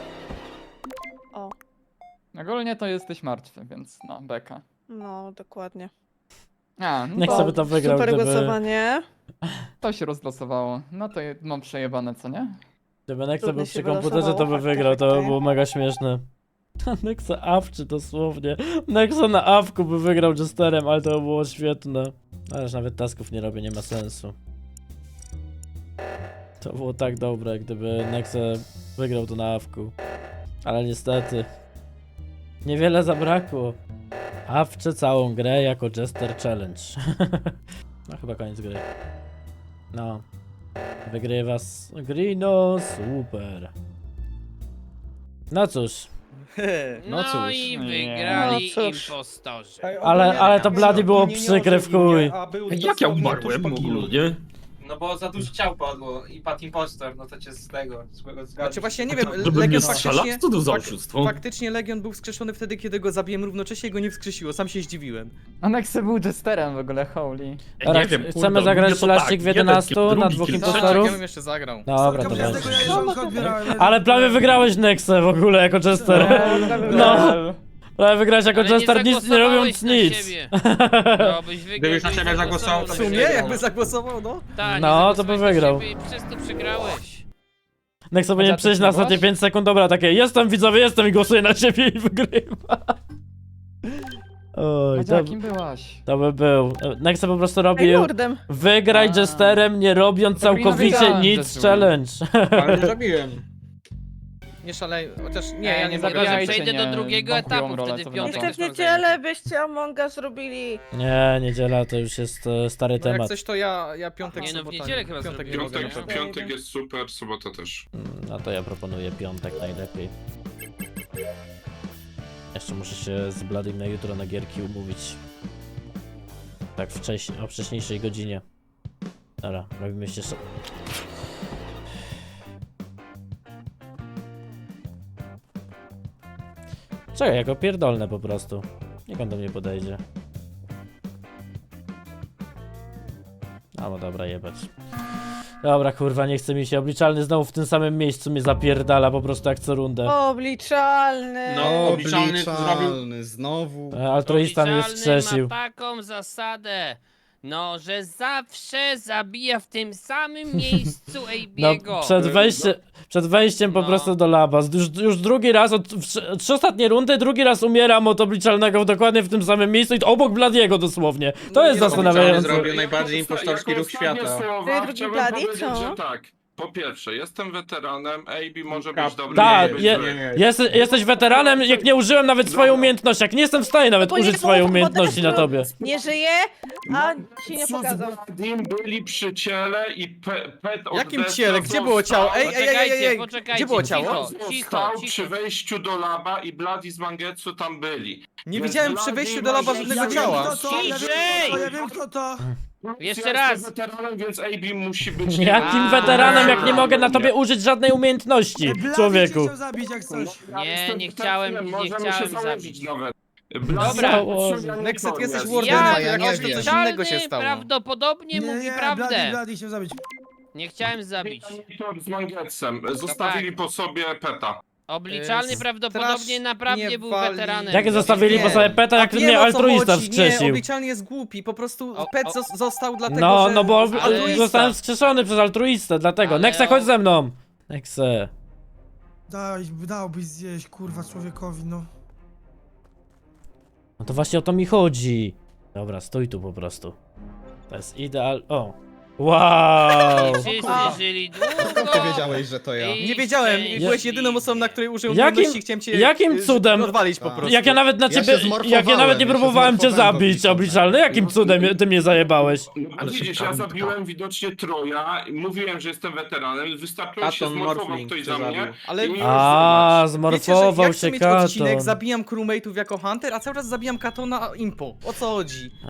[SPEAKER 2] O,
[SPEAKER 14] Ogólnie to jesteś martwy, więc no, beka.
[SPEAKER 2] no dokładnie.
[SPEAKER 14] A, no
[SPEAKER 1] Niech
[SPEAKER 14] to,
[SPEAKER 1] sobie to wygrał,
[SPEAKER 2] Super
[SPEAKER 1] gdyby,
[SPEAKER 2] głosowanie.
[SPEAKER 14] to się rozlosowało. No to je- mam przejebane, co nie?
[SPEAKER 1] gdyby Nexa
[SPEAKER 2] Trudno
[SPEAKER 1] był
[SPEAKER 2] się
[SPEAKER 1] przy komputerze, to
[SPEAKER 2] wylosowało,
[SPEAKER 1] by
[SPEAKER 2] fakty,
[SPEAKER 1] wygrał, to by
[SPEAKER 2] fakty.
[SPEAKER 1] było mega śmieszne. Nexa awczy dosłownie. Nexa na awku by wygrał Jesterem, ale to by było świetne. Ależ nawet tasków nie robię, nie ma sensu. To było tak dobre, gdyby Nexa wygrał to na awku. Ale niestety. Niewiele zabrakło. Awczę całą grę jako Jester Challenge. No chyba koniec gry. No. Wygrywa s- Grino, super. No cóż,
[SPEAKER 12] No,
[SPEAKER 14] cóż,
[SPEAKER 12] i
[SPEAKER 14] nie.
[SPEAKER 12] wygrali
[SPEAKER 2] No cóż.
[SPEAKER 12] impostorzy.
[SPEAKER 1] ale, ale to Bloody było przykre w chuj.
[SPEAKER 15] Jak ja umarłem ogólnie?
[SPEAKER 11] No bo za dużo ciał padło i padł impostor, no to cię z tego, złego zgadza.
[SPEAKER 13] Znaczy właśnie nie wiem,
[SPEAKER 15] Żeby mnie
[SPEAKER 13] Legion
[SPEAKER 15] strzelać?
[SPEAKER 13] faktycznie...
[SPEAKER 15] Co to za
[SPEAKER 13] fak-
[SPEAKER 15] oszustwo?
[SPEAKER 13] Faktycznie Legion był wskrzeszony wtedy, kiedy go zabiłem, równocześnie go nie wskrzesiło, sam się zdziwiłem.
[SPEAKER 14] A Nexe był Jesterem w ogóle, holy.
[SPEAKER 1] Dobra,
[SPEAKER 15] Nie wiem,
[SPEAKER 1] ch-
[SPEAKER 15] kurde,
[SPEAKER 1] chcemy zagrać
[SPEAKER 15] ogólnie to
[SPEAKER 1] szlaścik
[SPEAKER 15] tak,
[SPEAKER 1] w
[SPEAKER 15] jeden
[SPEAKER 1] jedenastu
[SPEAKER 15] kill,
[SPEAKER 1] na
[SPEAKER 15] drugi
[SPEAKER 1] dwóch
[SPEAKER 15] kill,
[SPEAKER 13] Tak,
[SPEAKER 1] impostorów?
[SPEAKER 13] ja bym jeszcze zagrał.
[SPEAKER 1] Dobra, to
[SPEAKER 9] Ja
[SPEAKER 1] będzie.
[SPEAKER 9] tego ja odbierałem.
[SPEAKER 1] Ale prawie wygrałeś Nexę w ogóle jako Jester. No, prawie wygrałeś jako
[SPEAKER 12] Ale nie
[SPEAKER 1] Jester, nic nie robiąc
[SPEAKER 12] zagłosowałeś na
[SPEAKER 1] nic.
[SPEAKER 12] siebie. No, byś wygrał,
[SPEAKER 11] Gdybyś na
[SPEAKER 12] byś
[SPEAKER 11] siebie zagłosował, to
[SPEAKER 13] W
[SPEAKER 11] byś
[SPEAKER 13] sumie,
[SPEAKER 11] wygrał.
[SPEAKER 13] jakby zagłosował, no.
[SPEAKER 12] Tak, nie
[SPEAKER 1] No, to by
[SPEAKER 12] zagłosowałeś na
[SPEAKER 1] wygrał.
[SPEAKER 12] siebie I przez to przegrałeś.
[SPEAKER 1] Nexa powinien
[SPEAKER 14] ty
[SPEAKER 1] przejść na
[SPEAKER 14] przegrałaś?
[SPEAKER 1] ostatnie pięć sekund, dobra, takie jestem widzowie, jestem i głosuję na ciebie i wygrywa. Oj,
[SPEAKER 14] Madzia,
[SPEAKER 1] to,
[SPEAKER 14] kim byłaś?
[SPEAKER 1] to by był. Nexa po prostu
[SPEAKER 2] Ej,
[SPEAKER 1] robił
[SPEAKER 2] Lordem.
[SPEAKER 1] wygraj
[SPEAKER 14] A.
[SPEAKER 1] Jesterem, nie robiąc
[SPEAKER 14] To Grino
[SPEAKER 1] całkowicie
[SPEAKER 14] wiedziałem, że
[SPEAKER 1] nic
[SPEAKER 14] zły.
[SPEAKER 1] challenge.
[SPEAKER 11] Ale nie zabiłem.
[SPEAKER 13] Nie szalej, chociaż nie,
[SPEAKER 14] Ej,
[SPEAKER 13] ja
[SPEAKER 14] nie
[SPEAKER 13] nie
[SPEAKER 12] Chyba, że
[SPEAKER 14] zabijajcie,
[SPEAKER 12] przejdę do
[SPEAKER 14] nie
[SPEAKER 12] drugiego
[SPEAKER 14] wąchują
[SPEAKER 12] etapu,
[SPEAKER 14] rolę,
[SPEAKER 12] wtedy
[SPEAKER 14] co
[SPEAKER 12] w
[SPEAKER 14] wy na
[SPEAKER 12] piątek
[SPEAKER 14] to?
[SPEAKER 2] Jeszcze w
[SPEAKER 12] też mam
[SPEAKER 2] niedzielę byście Among Us robili.
[SPEAKER 1] Nie, niedziela to już jest e, stary
[SPEAKER 13] No jak
[SPEAKER 1] temat.
[SPEAKER 13] coś to ja, ja piątek,
[SPEAKER 12] Nie no, w
[SPEAKER 13] sobota,
[SPEAKER 12] niedzielę chyba
[SPEAKER 13] piątek nie
[SPEAKER 12] zrobimy.
[SPEAKER 13] mogę.
[SPEAKER 5] Piątek,
[SPEAKER 13] nie?
[SPEAKER 5] piątek jest super, sobota też.
[SPEAKER 1] Mm, No to ja proponuję piątek najlepiej. Jeszcze muszę się z Bladym na jutro na gierki umówić. Tak wcześniej, o wcześniejszej godzinie. Dobra, robimy jeszcze... Czekaj, jako pierdolne po prostu. Niech on do mnie podejdzie. A no dobra, jebać. Dobra, kurwa, nie chce mi się. Obliczalny znowu w tym samym miejscu mnie zapierdala po prostu jak co rundę.
[SPEAKER 2] Obliczalny.
[SPEAKER 11] No, obliczalny zrobił...
[SPEAKER 9] znowu.
[SPEAKER 1] E, Altruista mnie
[SPEAKER 12] Obliczalny
[SPEAKER 1] wskrzesił.
[SPEAKER 12] ma taką zasadę, no, że zawsze zabija w tym samym miejscu
[SPEAKER 1] No,
[SPEAKER 12] Ejbiego.
[SPEAKER 1] przed, wejście, przed wejściem po
[SPEAKER 12] No.
[SPEAKER 1] prostu do laba. Już, już drugi raz, od, w, trzy- trzy ostatnie rundy, drugi raz umieram od obliczalnego dokładnie w tym samym miejscu i to obok Bladiego dosłownie. To jest
[SPEAKER 11] Obliczalny
[SPEAKER 1] zastanawiające.
[SPEAKER 11] zrobił najbardziej impostorski
[SPEAKER 5] Jako
[SPEAKER 11] ruch
[SPEAKER 5] ostatnie
[SPEAKER 11] świata.
[SPEAKER 5] słowa
[SPEAKER 2] Ty, drugi
[SPEAKER 5] chciałbym
[SPEAKER 2] Bloody,
[SPEAKER 5] powiedzieć,
[SPEAKER 2] co?
[SPEAKER 5] że tak. Po pierwsze, jestem weteranem, A B może
[SPEAKER 11] Kap-
[SPEAKER 5] być dobry.
[SPEAKER 1] Tak,
[SPEAKER 5] może być
[SPEAKER 1] je,
[SPEAKER 5] zły.
[SPEAKER 1] jest, jesteś weteranem, jak nie użyłem nawet swojej
[SPEAKER 5] Dobra.
[SPEAKER 1] umiejętności, jak nie jestem w stanie nawet
[SPEAKER 2] Bo nie
[SPEAKER 1] użyć
[SPEAKER 2] było
[SPEAKER 1] swojej
[SPEAKER 2] powodu,
[SPEAKER 1] umiejętności na
[SPEAKER 2] że
[SPEAKER 1] tobie.
[SPEAKER 2] Nie żyje, a się nie
[SPEAKER 5] Co z
[SPEAKER 2] pokazał.
[SPEAKER 5] Bladim byli przy ciele i pe, pet od
[SPEAKER 13] Jakim
[SPEAKER 5] Desta
[SPEAKER 13] ciele? Gdzie było ciało? Ej, ej, ej, ej,
[SPEAKER 12] Poczekajcie,
[SPEAKER 13] ej,
[SPEAKER 12] poczekajcie,
[SPEAKER 13] gdzie było
[SPEAKER 12] cicho.
[SPEAKER 13] ciało?
[SPEAKER 12] Cicho,
[SPEAKER 5] przy
[SPEAKER 12] cicho.
[SPEAKER 5] wejściu do laba i Bloody z Mangetsu tam byli.
[SPEAKER 13] Nie
[SPEAKER 5] Więc
[SPEAKER 13] widziałem przy
[SPEAKER 5] Bloody
[SPEAKER 13] wejściu do laba
[SPEAKER 5] może-
[SPEAKER 13] żadnego
[SPEAKER 5] Ja wiem,
[SPEAKER 13] ciała.
[SPEAKER 5] kto to, ja wiem,
[SPEAKER 12] Ciszej!
[SPEAKER 5] kto to, ja wiem, kto to.
[SPEAKER 12] Jeszcze
[SPEAKER 5] Ja
[SPEAKER 12] raz.
[SPEAKER 5] jestem weteranem, więc A B musi być...
[SPEAKER 1] Jakim
[SPEAKER 12] A,
[SPEAKER 1] weteranem, jak nie
[SPEAKER 12] dobra.
[SPEAKER 1] mogę na tobie użyć żadnej umiejętności, człowieku?
[SPEAKER 9] zabić jak coś.
[SPEAKER 5] Ja
[SPEAKER 12] Nie,
[SPEAKER 5] jestem
[SPEAKER 12] nie chciałem-
[SPEAKER 5] weteranem,
[SPEAKER 12] nie
[SPEAKER 5] możemy
[SPEAKER 12] chciałem
[SPEAKER 5] się założyć
[SPEAKER 12] zabić.
[SPEAKER 5] nawet.
[SPEAKER 12] Dobra.
[SPEAKER 13] Nexet, ty jesteś
[SPEAKER 5] Jest.
[SPEAKER 13] wardenem,
[SPEAKER 12] Ja,
[SPEAKER 13] to jak coś, to coś innego się
[SPEAKER 12] obliczalny
[SPEAKER 13] stało.
[SPEAKER 12] prawdopodobnie mówi prawdę.
[SPEAKER 9] chciał zabić.
[SPEAKER 12] Nie chciałem zabić.
[SPEAKER 5] Z Mangetsem. Zostawili po sobie peta.
[SPEAKER 12] Obliczalny
[SPEAKER 13] E,
[SPEAKER 12] prawdopodobnie
[SPEAKER 13] strasz-
[SPEAKER 12] naprawdę
[SPEAKER 13] nie
[SPEAKER 12] był
[SPEAKER 13] wali-
[SPEAKER 12] weteranem.
[SPEAKER 1] Jakie zostawili
[SPEAKER 13] Nie.
[SPEAKER 1] po sobie peta,
[SPEAKER 13] A
[SPEAKER 1] jak
[SPEAKER 13] wiem,
[SPEAKER 1] mnie
[SPEAKER 13] o co
[SPEAKER 1] altruista
[SPEAKER 13] chodzi. Nie,
[SPEAKER 1] wskrzesił?
[SPEAKER 13] obliczalny jest głupi, po prostu
[SPEAKER 12] O,
[SPEAKER 13] pet
[SPEAKER 12] o.
[SPEAKER 13] zos- został dlatego,
[SPEAKER 1] No,
[SPEAKER 13] że...
[SPEAKER 1] no bo
[SPEAKER 12] Ale-
[SPEAKER 1] zostałem wskrzeszony przez altruistę, dlatego.
[SPEAKER 12] Ale
[SPEAKER 1] Nexe,
[SPEAKER 12] o-
[SPEAKER 1] chodź ze mną! Nexe.
[SPEAKER 9] Daj, dałbyś zjeść, kurwa, człowiekowi, no.
[SPEAKER 1] No to właśnie o to mi chodzi. Dobra, stój tu po prostu. To jest ideal... O! Wow!
[SPEAKER 12] Wszyscy żyli długo.
[SPEAKER 16] Ty wiedziałeś, że to ja.
[SPEAKER 12] i
[SPEAKER 13] Nie wiedziałem,
[SPEAKER 12] szczęśliwie.
[SPEAKER 13] byłeś jedyną osobą, na której użyłem
[SPEAKER 1] Jakim-
[SPEAKER 13] umiejętności, chciałem cię
[SPEAKER 1] jakim
[SPEAKER 13] y,
[SPEAKER 1] cudem?
[SPEAKER 13] odwalić po
[SPEAKER 16] Tak.
[SPEAKER 13] prostu.
[SPEAKER 1] Jak ja nawet na
[SPEAKER 16] Ja
[SPEAKER 1] ciebie...
[SPEAKER 16] się zmorfowałem,
[SPEAKER 1] jak ja nawet nie
[SPEAKER 16] ja się
[SPEAKER 1] próbowałem cię
[SPEAKER 16] zmorfowałem
[SPEAKER 1] zabić,
[SPEAKER 16] obliczalny.
[SPEAKER 1] obliczalny, jakim cudem ty mnie zajebałeś?
[SPEAKER 5] No,
[SPEAKER 15] Ale
[SPEAKER 5] widzisz,
[SPEAKER 15] szybka
[SPEAKER 5] ja
[SPEAKER 15] rundka.
[SPEAKER 5] zabiłem widocznie Troja, i mówiłem, że jestem weteranem, wystarczyło się
[SPEAKER 8] Katon
[SPEAKER 5] zmorfował
[SPEAKER 8] Morphling
[SPEAKER 5] ktoś
[SPEAKER 8] cię
[SPEAKER 5] za mnie.
[SPEAKER 8] zabił.
[SPEAKER 13] Ale
[SPEAKER 5] i mi już
[SPEAKER 1] A,
[SPEAKER 5] zobacz.
[SPEAKER 13] wiecie, że
[SPEAKER 1] zmorfował
[SPEAKER 13] ja chcę
[SPEAKER 1] się
[SPEAKER 13] mieć odcinek,
[SPEAKER 1] Katon.
[SPEAKER 13] zabijam crewmate'ów jako hunter, a cały czas zabijam Katona impo. O co chodzi?